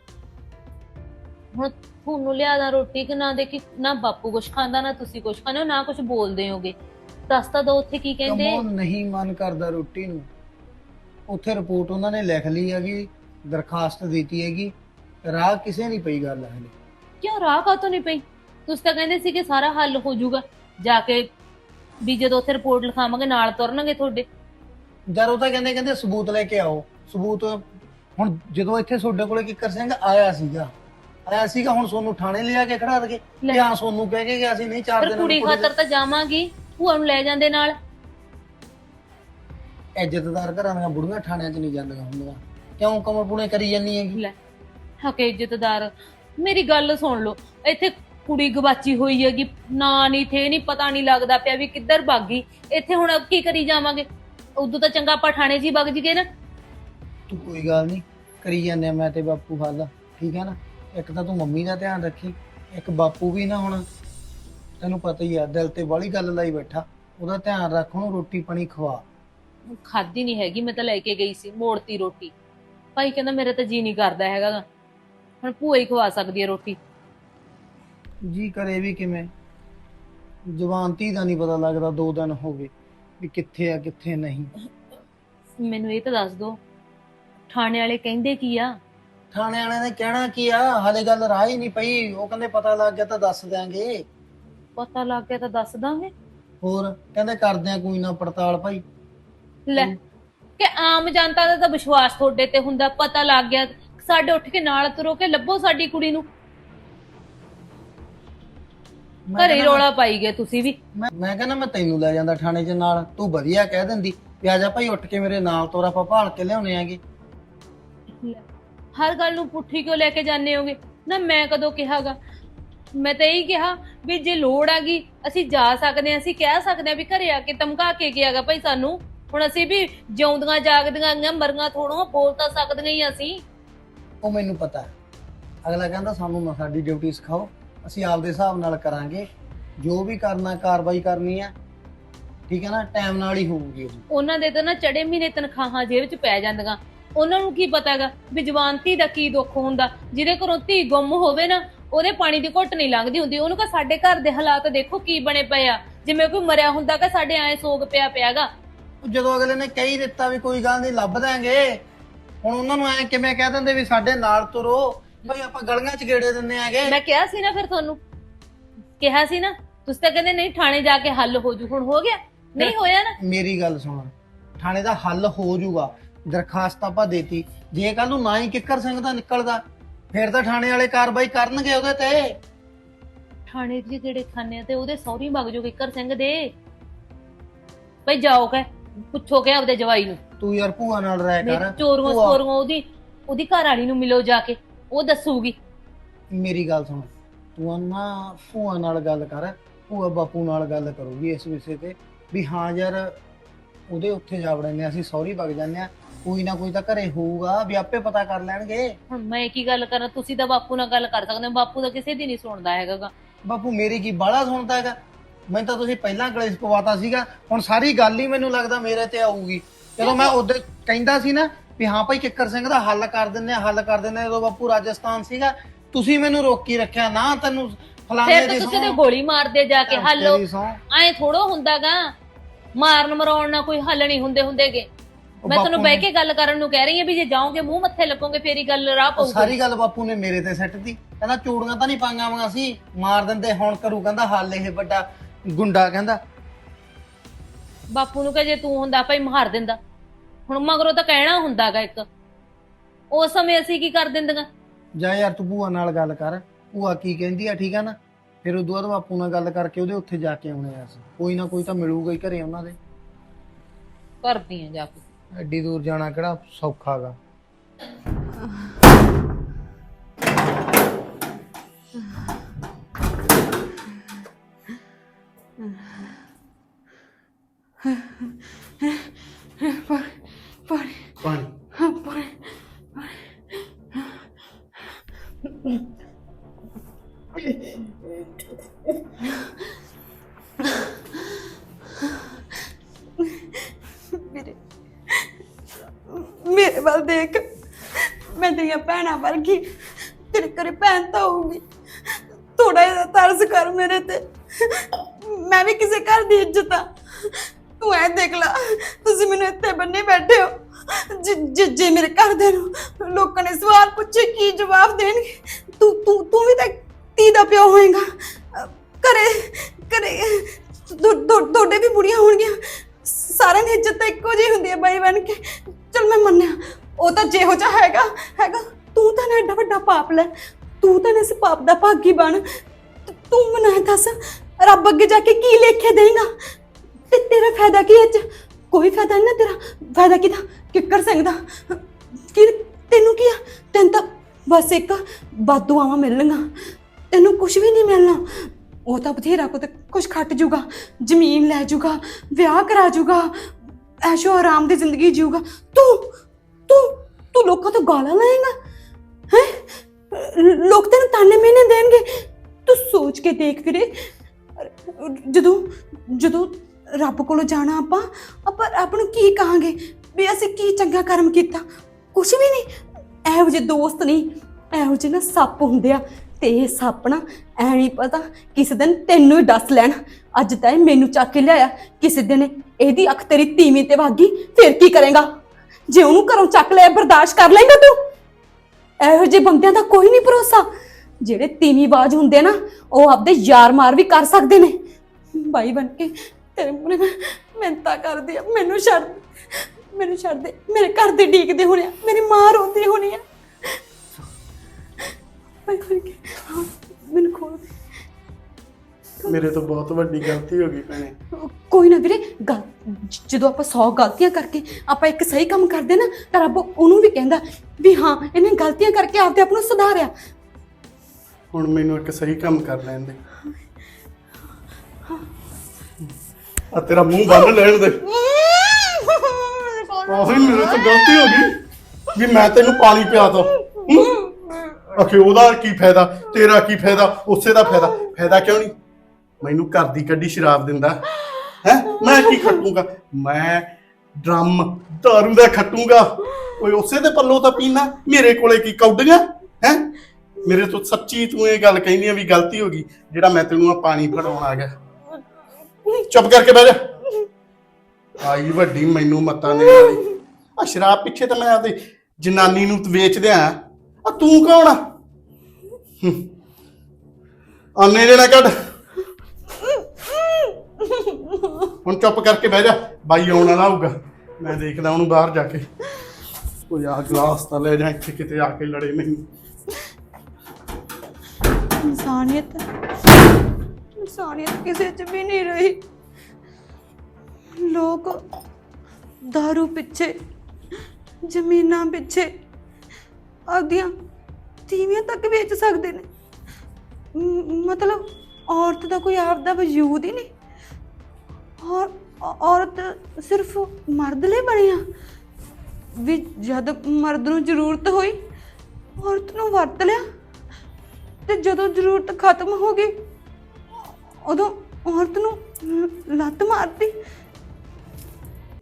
G: ਹੁਣ ਤੁਹਾਨੂੰ ਲਿਆਦਾ ਰੋਟੀ ਕਿ ਨਾ ਦੇਖੀ, ਨਾ ਬਾਪੂ ਕੁਛ ਖਾਂਦਾ ਨਾ ਤੁਸੀਂ ਕੁਛ ਖਾਂਦੇ ਹੋ, ਨਾ ਕੁਛ ਬੋਲਦੇ ਹੋਗੇ। ਦੱਸ ਤਾਂ ਦੋ ਉੱਥੇ ਕੀ ਕਹਿੰਦੇ।
A: ਕਮੋਂ ਨਹੀਂ ਮਨ ਕਰਦਾ ਰੋਟੀ ਨੂੰ। ਉੱਥੇ ਰਿਪੋਰਟ ਉਹਨਾਂ ਨੇ ਲਿਖ ਲਈ ਹੈਗੀ, ਦਰਖਾਸਤ ਦਿੱਤੀ ਹੈਗੀ, ਰਾਹ ਕਿਸੇ ਨਹੀਂ ਪਈ ਗੱਲ ਹਲੇ।
G: ਕਿਉਂ ਰਾਹ ਕਾਹਤੋਂ ਨਹੀਂ ਪਈ? ਤੁਸੀਂ ਤਾਂ ਕਹਿੰਦੇ ਸੀ ਕਿ ਸਾਰਾ ਹੱਲ ਹੋ ਜਾਊਗਾ ਜਾ ਕੇ, ਵੀ ਜਦੋਂ ਉੱਥੇ ਰਿਪੋਰਟ ਲਿਖਾਵਾਂਗੇ ਨਾਲ ਤੁਰਨਗੇ ਤੁਹਾਡੇ।
A: ਜਦ ਉਹ ਤਾਂ ਕਹਿੰਦੇ ਸਬੂਤ ਲੈ ਕੇ ਆਓ। ਸਬੂਤ ਹੁਣ ਜਦੋਂ ਇੱਥੇ ਤੁਹਾਡੇ ਕੋਲੇ ਕਿੱਕਰ ਸਿੰਘ ਆਇਆ ਸੀਗਾ ਹੁਣ ਸੋਨੂੰ ਥਾਣੇ ਲਿਆ ਕੇ ਖੜਾ ਦਗੇ
G: ਲੈ।
A: ਜਾਂ ਸੋਨੂੰ ਕਹਿ ਕੇ ਗਿਆ ਸੀ ਨਹੀਂ 4
G: ਪਰ
A: ਦਿਨ
G: ਕੁੜੀ ਖਾਤਰ ਤਾਂ ਜਾਵਾਂਗੀ, ਭੂਆ ਨੂੰ ਲੈ ਜਾਂਦੇ ਨਾਲ।
A: ਇੱਜ਼ਤਦਾਰ ਘਰਾਂ ਦੀਆਂ ਬੁੜੀਆਂ ਥਾਣਿਆਂ 'ਚ ਨਹੀਂ ਜਾਂਦੀਆਂ ਹੁੰਦੀਆਂ। ਕਿਉਂ ਕਮਰ ਪੁਣੇ ਕਰੀ ਜਾਂਦੀ ਹੈਗੀ?
G: ਲੈ ਹਕੇ ਇੱਜ਼ਤਦਾਰ, ਮੇਰੀ ਗੱਲ ਸੁਣ ਲਓ। ਇੱਥੇ ਕੁੜੀ ਗਵਾਚੀ ਹੋਈ ਹੈਗੀ, ਨਾ ਨਹੀਂ ਥੇ ਨਹੀਂ ਪਤਾ ਨਹੀਂ ਲੱਗਦਾ ਪਿਆ ਵੀ ਕਿੱਧਰ ਭੱਗ ਗਈ। ਇੱਥੇ ਹੁਣ ਕੀ ਕਰੀ ਜਾਵਾਂਗੇ? ਉਦੋਂ ਤਾਂ ਚੰਗਾ ਆਪਾਂ ਥਾਣੇ 'ਚ ਹੀ ਵਗ ਜੀਏ ਨਾ।
A: ਤੂੰ ਕੋਈ ਗੱਲ ਨਹੀਂ ਕਰੀ ਜਾਂਦੇ ਆ ਮੈਂ ਤੇ ਬਾਪੂ ਹੱਲ, ਠੀਕ ਹੈ ਨਾ? ਇੱਕ ਤਾਂ ਤੂੰ ਮੰਮੀ ਦਾ ਧਿਆਨ ਰੱਖੀ, ਇੱਕ ਬਾਪੂ ਵੀ ਨਾ ਹੁਣ ਤੈਨੂੰ ਪਤਾ ਹੀ ਆ ਦਿਲ ਤੇ ਬਾਹਲੀ ਗੱਲ ਲਾਈ ਬੈਠਾ, ਉਹਦਾ ਧਿਆਨ ਰੱਖ, ਉਹਨੂੰ ਰੋਟੀ ਪਾਣੀ ਖਵਾ।
G: ਖਾਦੀ ਨਹੀਂ ਹੈਗੀ, ਮੈਂ ਤਾਂ ਲੈ ਕੇ ਗਈ ਸੀ, ਮੋੜਤੀ ਰੋਟੀ। ਭਾਈ ਕਹਿੰਦਾ ਮੇਰੇ ਤਾਂ ਜੀ ਨਹੀਂ ਕਰਦਾ ਹੈਗਾ ਗਾ। ਹੁਣ ਭੂਆ ਹੀ ਖਵਾ ਸਕਦੀ ਹੈ ਰੋਟੀ।
A: ਜੀ ਕਰੇ ਵੀ ਕਿਵੇਂ, ਜਵਾਨ ਧੀ ਦਾ ਨਹੀਂ ਪਤਾ ਲੱਗਦਾ 2 ਦਿਨ ਹੋ ਗਏ ਵੀ ਕਿੱਥੇ ਆ ਕਿੱਥੇ ਨਹੀਂ।
G: ਮੈਨੂੰ ਇਹ ਤਾਂ ਦੱਸ ਦੋ, ਥਾਣੇ ਵਾਲੇ ਕਹਿੰਦੇ ਕੀ ਆ?
A: ਥਾਣੇ ਵਾਲਿਆਂ ਨੇ ਕਹਿਣਾ ਕੀ ਆ, ਹਾਲੇ ਗੱਲ ਰਾਹ ਹੀ ਨਹੀਂ ਪਈ। ਉਹ ਕਹਿੰਦੇ ਪਤਾ ਲੱਗ ਗਿਆ ਤਾਂ ਦੱਸ ਦਿਆਂਗੇ।
G: ਪਤਾ ਲੱਗ ਗਿਆ ਤਾਂ ਦੱਸ ਦਾਂਗੇ।
A: ਹੋਰ ਕਹਿੰਦੇ ਕਰਦੇ ਆ ਕੋਈ ਨਾ ਪੜਤਾਲ ਭਾਈ।
G: ਲੈ ਕਿ ਆਮ ਜਨਤਾ ਦਾ ਤਾਂ ਵਿਸ਼ਵਾਸ ਤੁਹਾਡੇ ਤੇ ਹੁੰਦਾ, ਪਤਾ ਲੱਗ ਗਿਆ ਸਾਡੇ ਉੱਠ ਕੇ ਨਾਲ ਤੁਰੋ ਕਿ ਲੱਭੋ ਸਾਡੀ ਕੁੜੀ ਨੂੰ।
A: ਮੈਂ
G: ਘਰੇ
A: ਕਹਿੰਦਾ-
G: ਰੋਲਾ ਪਾਈ ਗਏ ਤੁਸੀਂ ਵੀ।
A: ਮੈਂ ਕਹਿੰਦਾ ਮੈਂ ਤੈਨੂੰ ਲੈ ਜਾਂਦਾ ਥਾਣੇ 'ਚ ਨਾਲ, ਤੂੰ ਵਧੀਆ ਕਹਿ ਦਿੰਦੀ ਵੀ ਆ ਜਾ ਭਾਈ ਉੱਠ ਕੇ ਮੇਰੇ ਨਾਲ ਤੋਰਾ ਆਪਾਂ ਭਾਲ ਕੇ ਲਿਆਉਣੇ ਆਗੇ।
G: ਲੈ, ਹਰ ਗੱਲ ਨੂੰ ਪੁੱਠੀ ਕਿਉਂ ਲੈ ਕੇ ਜਾਂਦੇ ਹੋਗੇ? ਨਾ ਮੈਂ ਕਦੋਂ ਕਿਹਾਗਾ? ਮੈਂ ਤਾਂ ਇਹੀ ਕਿਹਾ ਵੀ ਜੇ ਲੋੜ ਆਗੀ ਅਸੀਂ ਜਾ ਸਕਦੇ ਹਾਂ, ਅਸੀਂ ਕਹਿ ਸਕਦੇ ਹਾਂ ਵੀ ਘਰੇ ਆ ਕੇ ਧਮਕਾ ਕੇ ਗਿਆਗਾ ਭਾਈ ਸਾਨੂੰ। ਹੁਣ ਅਸੀਂ ਵੀ ਜਿਉਂਦੀਆਂ ਜਾਗਦੀਆਂ ਗਈਆਂ, ਮਰੀਆਂ ਥੋੜੋਂ, ਬੋਲ ਤਾਂ ਸਕਦੀਆਂ ਹੀ ਅਸੀਂ।
A: ਉਹ ਮੈਨੂੰ ਪਤਾ ਹੈ। ਅਗਲਾ ਕਹਿੰਦਾ ਸਾਨੂੰ ਨਾ ਸਾਡੀ ਡਿਊਟੀ ਸਿਖਾਓ, ਅਸੀਂ ਆਪਦੇ ਹਿਸਾਬ ਨਾਲ ਕਰਾਂਗੇ ਜੋ ਵੀ ਕਰਨਾ, ਕਾਰਵਾਈ ਕਰਨੀ ਹੈ, ਠੀਕ ਹੈ ਨਾ? ਟਾਈਮ ਨਾਲ ਹੀ ਹੋਊਗੀ ਉਹ।
G: ਉਹਨਾਂ ਦੇ ਤਾਂ ਨਾ ਚੜੇ ਮਹੀਨੇ ਤਨਖਾਹਾਂ ਜੇਬ 'ਚ ਪੈ ਜਾਂਦੀਆਂ। ਉਹਨਾਂ ਨੂੰ ਕੀ ਪਤਾਗਾ ਵੀ ਜਵਾਨ ਧੀ ਦਾ ਕੀ ਦੁੱਖ ਹੁੰਦਾ। ਜਿਹਦੇ ਘਰੋਂ ਧੀ ਗੁੰਮ ਹੋਵੇ ਨਾ, ਉਹਦੇ ਪਾਣੀ ਦੀ ਘੁੱਟ ਨਹੀਂ ਲੰਘਦੀ ਹੁੰਦੀ। ਉਹਨੂੰ ਕਹ ਸਾਡੇ ਘਰ ਦੇ ਹਾਲਾਤ ਦੇਖੋ ਕੀ ਬਣੇ ਪਏ ਆ, ਜਿਵੇਂ ਕੋਈ ਮਰਿਆ ਹੁੰਦਾ ਕਿ ਸਾਡੇ ਐ ਸੋਗ ਪਿਆਗਾ।
A: ਜਦੋਂ ਅਗਲੇ ਨੇ ਕਹਿ ਹੀ ਦਿੱਤਾ ਵੀ ਕੋਈ ਗੱਲ ਨਹੀਂ ਲੱਭ ਦਾਂਗੇ, ਹੁਣ ਉਹਨਾਂ ਨੂੰ ਐ ਕਿਵੇਂ ਕਹਿ ਦਿੰਦੇ ਵੀ ਸਾਡੇ ਨਾਲ ਤੁਰੋ ਭਾਈ, ਆਪਾਂ ਗਲੀਆਂ 'ਚ ਗੇੜੇ ਦਿੰਦੇ ਆਗੇ।
G: ਮੈਂ ਕਿਹਾ ਸੀ ਨਾ, ਫਿਰ ਤੁਹਾਨੂੰ ਕਿਹਾ ਸੀ ਨਾ, ਤੁਸੀਂ ਤਾਂ ਕਹਿੰਦੇ ਨਹੀਂ ਥਾਣੇ ਜਾ ਕੇ ਹੱਲ ਹੋ ਜੂ। ਹੁਣ ਹੋ ਗਿਆ? ਨਹੀਂ ਹੋਇਆ ਨਾ।
A: ਮੇਰੀ ਗੱਲ ਸੁਣ, ਥਾਣੇ ਦਾ ਹੱਲ ਹੋ ਜਾਊਗਾ। ਦਰਖਾਸਤ ਆਪਾਂ ਦੇਤੀ, ਜੇ ਕੱਲ ਨੂੰ ਨਾ ਹੀ ਕਿੱਕਰ ਸਿੰਘ ਦਾ ਨਿਕਲਦਾ ਫਿਰ ਤਾਂ ਥਾਣੇ ਵਾਲੇ ਕਾਰਵਾਈ ਕਰਨਗੇ ਉਹਦੇ ਤੇ।
G: ਥਾਣੇ 'ਚ ਜਿਹੜੇ ਖਾਨੇ ਆ ਤੇ ਉਹਦੇ ਸਹੁਰੀ ਵਗ ਜੋ ਕਿੱਕਰ ਸਿੰਘ ਦੇ। ਭਈ ਜਾਓ ਕਹਿ ਪੁੱਛੋ ਕਿ ਆਪਦੇ ਜਵਾਈ ਨੂੰ।
A: ਤੂੰ ਯਾਰ ਭੂਆ ਨਾਲ ਰਹਿ ਕਰ।
G: ਚੋਰੀਆਂ
A: ਭੂਆ-
G: ਸਕੋਰੀਆਂ ਉਹਦੀ ਘਰ ਵਾਲੀ ਨੂੰ ਮਿਲੋ ਜਾ ਕੇ, ਉਹ ਦੱਸੂਗੀ।
A: ਮੇਰੀ ਗੱਲ ਸੁਣ, ਤੂੰ ਨਾ ਭੂਆ ਨਾਲ ਗੱਲ ਕਰ। ਭੂਆ ਬਾਪੂ ਨਾਲ ਗੱਲ ਕਰੂਗੀ ਇਸ ਵਿਸ਼ੇ ਤੇ ਵੀ ਹਾਂ ਯਾਰ ਉਹਦੇ ਉੱਥੇ ਜਾ ਵੜਨੇ, ਅਸੀਂ ਸੌਰੀ ਵਗ ਜਾਂਦੇ ਆ, ਕੋਈ ਨਾ ਕੋਈ ਤਾਂ ਘਰੇ ਹੋਊਗਾ ਵੀ ਆਪੇ ਪਤਾ ਕਰ ਲੈਣਗੇ।
G: ਹੁਣ ਮੈਂ ਕੀ ਗੱਲ ਕਰਾਂ, ਤੁਸੀਂ ਤਾਂ ਬਾਪੂ ਨਾਲ ਗੱਲ ਕਰ ਸਕਦੇ ਹੋ, ਬਾਪੂ ਤਾਂ ਕਿਸੇ ਦੀ ਨਹੀਂ ਸੁਣਦਾ ਹੈਗਾ ਗਾ।
A: ਬਾਪੂ ਮੇਰੀ ਕੀ ਬਾਹਲਾ ਸੁਣਦਾ ਹੈਗਾ? ਮੈਨੂੰ ਤਾਂ ਤੁਸੀਂ ਪਹਿਲਾਂ ਕਲੇਸ਼ ਪਵਾਤਾ ਸੀਗਾ, ਹੁਣ ਸਾਰੀ ਗੱਲ ਹੀ ਮੈਨੂੰ ਲੱਗਦਾ ਮੇਰੇ ਤੇ ਆਊਗੀ। ਜਦੋਂ ਮੈਂ ਉਦੋਂ ਕਹਿੰਦਾ ਸੀ ਨਾ ਵੀ ਹਾਂ ਭਾਈ ਕਿੱਕਰ ਸਿੰਘ ਦਾ ਹੱਲ ਕਰ ਦਿੰਦੇ ਆ ਜਦੋਂ ਬਾਪੂ ਰਾਜਸਥਾਨ ਸੀਗਾ, ਤੁਸੀਂ ਮੈਨੂੰ ਰੋਕੀ ਰੱਖਿਆ ਨਾ। ਤੈਨੂੰ ਫਲਾਣੇ
G: ਫਿਰ ਤਾਂ ਤੁਸੀਂ ਤੇ ਗੋਲੀ ਮਾਰਦੇ ਜਾ ਕੇ ਹੱਲ। ਐ ਥੋੜੋ ਹੁੰਦਾਗਾ, ਮਾਰਨ ਮਰਾਉਣ ਨਾਲ ਕੋਈ ਹੱਲ ਨਹੀਂ ਹੁੰਦੇਗੇ। ਮੈਂ ਤੁਹਾਨੂੰ ਬਹਿ ਕੇ ਗੱਲ ਕਰਨ ਨੂੰ ਕਹਿ ਰਹੀ ਹਾਂ ਵੀ ਜੇ ਜਾਓਗੇ ਮੂੰਹ ਮੱਥੇ ਲੱਗੋਗੇ ਫੇਰ ਹੀ ਗੱਲ ਰਾਹ ਪਊਗੀ।
A: ਸਾਰੀ ਗੱਲ ਬਾਪੂ ਨੇ ਮੇਰੇ ਤੇ ਸੱਟਦੀ, ਕਹਿੰਦਾ ਚੂੜੀਆਂ ਤਾਂ ਨਹੀਂ ਪਾਈਆਂ ਵਾਂ ਸੀ, ਮਾਰ ਦਿੰਦੇ। ਹੁਣ ਕਰੂ ਕਹਿੰਦਾ ਹੱਲ ਇਹ ਵੱਡਾ ਗੁੰਡਾ। ਕਹਿੰਦਾ
G: ਬਾਪੂ ਨੂੰ ਕਹੇ ਜੇ ਤੂੰ ਹੁੰਦਾ ਭਾਈ ਮਾਰ ਦਿੰਦਾ। ਹੁਣ ਮਗਰੋਂ ਤਾਂ ਕਹਿਣਾ ਹੁੰਦਾਗਾ ਇੱਕ, ਉਸ ਸਮੇਂ ਅਸੀਂ ਕੀ ਕਰ ਦਿੰਦੀਆਂ।
A: ਜਾ ਯਾਰ ਤੂੰ ਭੂਆ ਨਾਲ ਗੱਲ ਕਰ, ਭੂਆ ਕੀ ਕਹਿੰਦੀ ਆ, ਠੀਕ ਆ ਨਾ। ਫਿਰ ਉਦੋਂ ਬਾਅਦ ਬਾਪੂ ਨਾਲ ਗੱਲ ਕਰਕੇ ਉਹਦੇ ਉੱਥੇ ਜਾ ਕੇ ਆਉਣੇ ਆ। ਕੋਈ ਨਾ ਕੋਈ ਤਾਂ ਮਿਲੂਗਾ ਹੀ ਘਰੇ ਉਹਨਾਂ ਦੇ।
G: ਕਰਦੀ ਆ ਜਾ ਕੇ।
A: ਐਡੀ ਦੂਰ ਜਾਣਾ ਕਿਹੜਾ ਸੌਖਾ ਗਾ।
F: ਪਾਣੀ
H: ਮੇਰੇ ਵੱਲ ਦੇਖ, ਮੈਂ ਤੇਰੀਆਂ ਭੈਣਾਂ ਵਰਗੀ, ਤੇਰੇ ਘਰੇ ਭੈਣ ਤਾਂ ਹੋਊਗੀ। ਥੋੜਾ ਜਿਹਾ ਤਰਸ ਕਰ ਮੇਰੇ ਤੇ, ਮੈਂ ਵੀ ਕਿਸੇ ਘਰ ਦੀ ਇੱਜ਼ਤ ਆ। ਤੂੰ ਐ ਦੇਖ ਲਾ, ਤੁਸੀਂ ਮੈਨੂੰ ਇੱਥੇ ਬੰਨੇ ਬੈਠੇ ਹੋ। ਜੇ ਮੇਰੇ ਘਰ ਦੇ ਨੂੰ ਲੋਕਾਂ ਨੇ ਸਵਾਲ ਪੁੱਛੇ ਕੀ ਜਵਾਬ ਦੇਣਗੇ? ਤੂੰ ਵੀ ਤਾਂ ਧੀ ਦਾ ਪਿਓ ਹੋਏਗਾ। ਘਰੇ ਤੁਹਾਡੇ ਵੀ ਬੁੜੀਆਂ ਹੋਣਗੀਆਂ। ਸਾਰਿਆਂ ਦੀ ਇੱਜ਼ਤ ਤਾਂ ਇੱਕੋ ਜਿਹੀ ਹੁੰਦੀ ਹੈ ਬਾਈ ਬਣ ਕੇ। ਚਲ ਮੈਂ ਮੰਨਿਆ, ਉਹ ਤਾਂ ਜਿਹੋ ਜਿਹਾ ਹੈਗਾ। ਤੂੰ ਤਾਂ ਨਾ ਐਡਾ ਵੱਡਾ ਪਾਪ ਲੈ, ਤੂੰ ਤਾਂ ਇਸ ਪਾਪ ਦਾ ਭਾਗੀ ਬਣ। ਤੂੰ ਮੈਨੂੰ ਇਹ ਦੱਸ, ਰੱਬ ਅੱਗੇ ਜਾ ਕੇ ਕੀ ਲਿਖ ਕੇ ਦੇਂਗਾ? ਤੇ ਤੇਰਾ ਫਾਇਦਾ ਕੀ ਹੈ? ਕੋਈ ਫਾਇਦਾ ਨਹੀਂ ਨਾ ਤੇਰਾ। ਫਾਇਦਾ ਕਿਹਦਾ? ਕਿੱਕਰ ਸਿੰਘ ਦਾ। ਤੈਨੂੰ ਕੀ ਆ? ਤੈਨੂੰ ਤਾਂ ਬਸ ਇੱਕ ਬਦਦੁਆਵਾਂ ਮਿਲਣਗੀਆਂ, ਤੈਨੂੰ ਕੁਝ ਵੀ ਨਹੀਂ ਮਿਲਣਾ। ਉਹ ਤਾਂ ਬਥੇਰਾ ਕੁਝ ਖੱਟ ਜੂਗਾ, ਜ਼ਮੀਨ ਲੈ ਜੂਗਾ, ਵਿਆਹ ਕਰਾ ਜੂਗਾ, ਐਸ਼ੋ ਆਰਾਮ ਦੀ ਜ਼ਿੰਦਗੀ ਜੀਊਗਾ। ਤੂੰ ਲੋਕਾਂ ਤੋਂ ਗਾਲਾਂ ਲਾਏਗਾ ਹੈ? ਲੋਕ ਤੈਨੂੰ ਤਾਨੇ ਮਿਹਣੇ ਦੇਣਗੇ। ਤੂੰ ਸੋਚ ਕੇ ਦੇਖ ਵੀਰੇ, ਜਦੋਂ ਰੱਬ ਕੋਲੋਂ ਜਾਣਾ ਆਪਾਂ ਰੱਬ ਨੂੰ ਕੀ ਕਹਾਂਗੇ ਵੀ ਅਸੀਂ ਕੀ ਚੰਗਾ ਕਰਮ ਕੀਤਾ? ਕੁਛ ਵੀ ਨਹੀਂ। ਇਹੋ ਜਿਹੇ ਦੋਸਤ ਨਹੀਂ, ਇਹੋ ਜਿਹੇ ਨਾ ਸੱਪ ਹੁੰਦੇ ਆ। ਤੇ ਇਹ ਸੱਪ ਨਾ ਐ ਨਹੀਂ ਪਤਾ ਕਿਸੇ ਦਿਨ ਤੈਨੂੰ ਹੀ ਡਸ ਲੈਣ। ਅੱਜ ਤਾਂ ਇਹ ਮੈਨੂੰ ਚੱਕ ਕੇ ਲਿਆਇਆ, ਕਿਸੇ ਦਿਨ ਇਹਦੀ ਅੱਖ ਤੇਰੀ ਤੀਵੀਂ ਤੇ ਵਾਗੀ, ਫਿਰ ਕੀ ਕਰੇਗਾ? ਜੇ ਉਹਨੂੰ ਘਰੋਂ ਚੱਕ ਲਿਆ ਬਰਦਾਸ਼ਤ ਕਰ ਲਏਗਾ ਤੂੰ? ਇਹੋ ਜਿਹੇ ਬੰਦਿਆਂ ਦਾ ਕੋਈ ਨਹੀਂ ਭਰੋਸਾ। ਜਿਹੜੇ ਤੀਵੀਂ ਬਾਜ਼ ਹੁੰਦੇ ਨਾ, ਉਹ ਆਪਦੇ ਯਾਰ ਮਾਰ ਵੀ ਕਰ ਸਕਦੇ ਨੇ। ਬਾਈ ਬਣ ਕੇ ਤੇਰੇ ਮੂਹਰੇ ਮੈਂ ਮਿਹਨਤਾਂ ਕਰਦੀ ਆ, ਮੈਨੂੰ ਛੱਡ ਦੇ। ਮੇਰੇ ਘਰ ਦੇ ਡੀਕਦੇ ਹੋਣੇ ਆ, ਮੇਰੀ ਮਾਂ ਰੋਂਦੀ ਹੋਣੀ ਆ। ਬਾਈ ਬਣ ਕੇ ਮੈਨੂੰ ਖੋਲ ਦੇ।
F: ਮੇਰੇ ਤੋਂ ਬਹੁਤ ਵੱਡੀ ਗਲਤੀ ਹੋ ਗਈ ਭੈਣੇ।
H: ਕੋਈ ਨਾ ਵੀਰੇ, ਜਦੋਂ ਆਪਾਂ 100 ਗਲਤੀਆਂ ਕਰਕੇ ਆਪਾਂ ਇੱਕ ਸਹੀ ਕੰਮ ਕਰਦੇ ਨਾ, ਤਾਂ ਰੱਬ ਉਹਨੂੰ ਵੀ ਕਹਿੰਦਾ ਵੀ ਹਾਂ ਇਹਨੇ ਗਲਤੀਆਂ ਕਰਕੇ ਆਪਦੇ ਆਪ ਨੂੰ ਸੁਧਾਰਿਆ।
F: ਹੁਣ ਮੈਨੂੰ ਇੱਕ ਸਹੀ ਕੰਮ ਕਰ ਲੈਣ ਦੇ। ਆ ਤੇਰਾ ਮੂੰਹ ਬੰਨ ਲੈਣ ਦੇ। ਆਹੀ ਮੇਰੇ ਤੋਂ ਗਲਤੀ ਹੋ ਗਈ ਵੀ ਮੈਂ ਤੈਨੂੰ ਪਾਣੀ ਪਿਆਤਾ। ਆਖੇ ਉਹਦਾ ਕੀ ਫਾਇਦਾ, ਤੇਰਾ ਕੀ ਫਾਇਦਾ, ਉਸੇ ਦਾ ਫਾਇਦਾ ਕਿਉਂ ਨਹੀਂ? ਮੈਨੂੰ ਘਰ ਦੀ ਕੱਢੀ ਸ਼ਰਾਬ ਦਿੰਦਾ ਹੈ, ਮੈਂ ਕੀ ਖੱਟੂਗਾ? ਮੈਂ ਡਰਮ ਦਾਰੂ ਦਾ ਖੱਟੂਗਾ। ਓਏ ਉਸੇ ਦੇ ਪੱਲੋਂ ਤਾਂ ਪੀਣਾ, ਮੇਰੇ ਕੋਲੇ ਕੀ ਕੌਡੀਆਂ ਹੈ? ਮੇਰੇ ਤੋਂ ਸੱਚੀ ਤੂੰ ਇਹ ਗੱਲ ਕਹਿੰਦੀ ਆ ਵੀ ਗਲਤੀ ਹੋ ਗਈ ਜਿਹੜਾ ਮੈਂ ਤੈਨੂੰ ਆ ਪਾਣੀ ਫੜਾਉਣ ਆ ਗਿਆ? ਚੁੱਪ ਕਰਕੇ ਬਹਿ ਜਾ। ਆਈ ਵੱਡੀ ਮੈਨੂੰ ਮੱਤਾਂ ਦੇਣ ਵਾਲੀ। ਆ ਸ਼ਰਾਬ ਪਿੱਛੇ ਤਾਂ ਮੈਂ ਆਪਦੀ ਜਨਾਨੀ ਨੂੰ ਵੇਚ ਦਿਆਂ। ਆ ਤੂੰ ਕੌਣ ਆ? ਆਨੇ ਜਿਹੜਾ ਕੱਢ। ਹੁਣ ਚੁੱਪ ਕਰਕੇ ਬਹਿ ਜਾ, ਬਾਈ ਆਉਣ ਵਾਲਾ ਹੋਊਗਾ, ਮੈਂ ਦੇਖਦਾ ਉਹਨੂੰ ਬਾਹਰ ਜਾ ਕੇ। ਉਹ ਯਾਰ ਗਲਾਸ ਤਾਂ ਲੈ ਜਾ, ਇੱਥੇ ਕਿਤੇ ਆ ਕੇ ਲੜੇ ਮੈਨੂੰ।
H: ਇਨਸਾਨੀਅਤ ਕਿਸੇ 'ਚ ਵੀ ਨਹੀਂ ਰਹੀ। ਲੋਕ ਦਾਰੂ ਪਿੱਛੇ, ਜ਼ਮੀਨਾਂ ਪਿੱਛੇ ਆਪਦੀਆਂ ਤੀਵੀਆਂ ਤੱਕ ਵੇਚ ਸਕਦੇ ਨੇ। ਮਤਲਬ ਔਰਤ ਦਾ ਕੋਈ ਆਪ ਦਾ ਵਜੂਦ ਹੀ ਨਹੀਂ। ਔਰ ਔਰਤ ਸਿਰਫ ਮਰਦ ਲਈ ਬਣੀ ਆ ਵੀ ਜਦ ਮਰਦ ਨੂੰ ਜ਼ਰੂਰਤ ਹੋਈ ਔਰਤ ਨੂੰ ਵਰਤ ਲਿਆ, ਤੇ ਜਦੋਂ ਜ਼ਰੂਰਤ ਖਤਮ ਹੋ ਗਈ ਉਦੋਂ ਔਰਤ ਨੂੰ ਲੱਤ ਮਾਰਤੀ।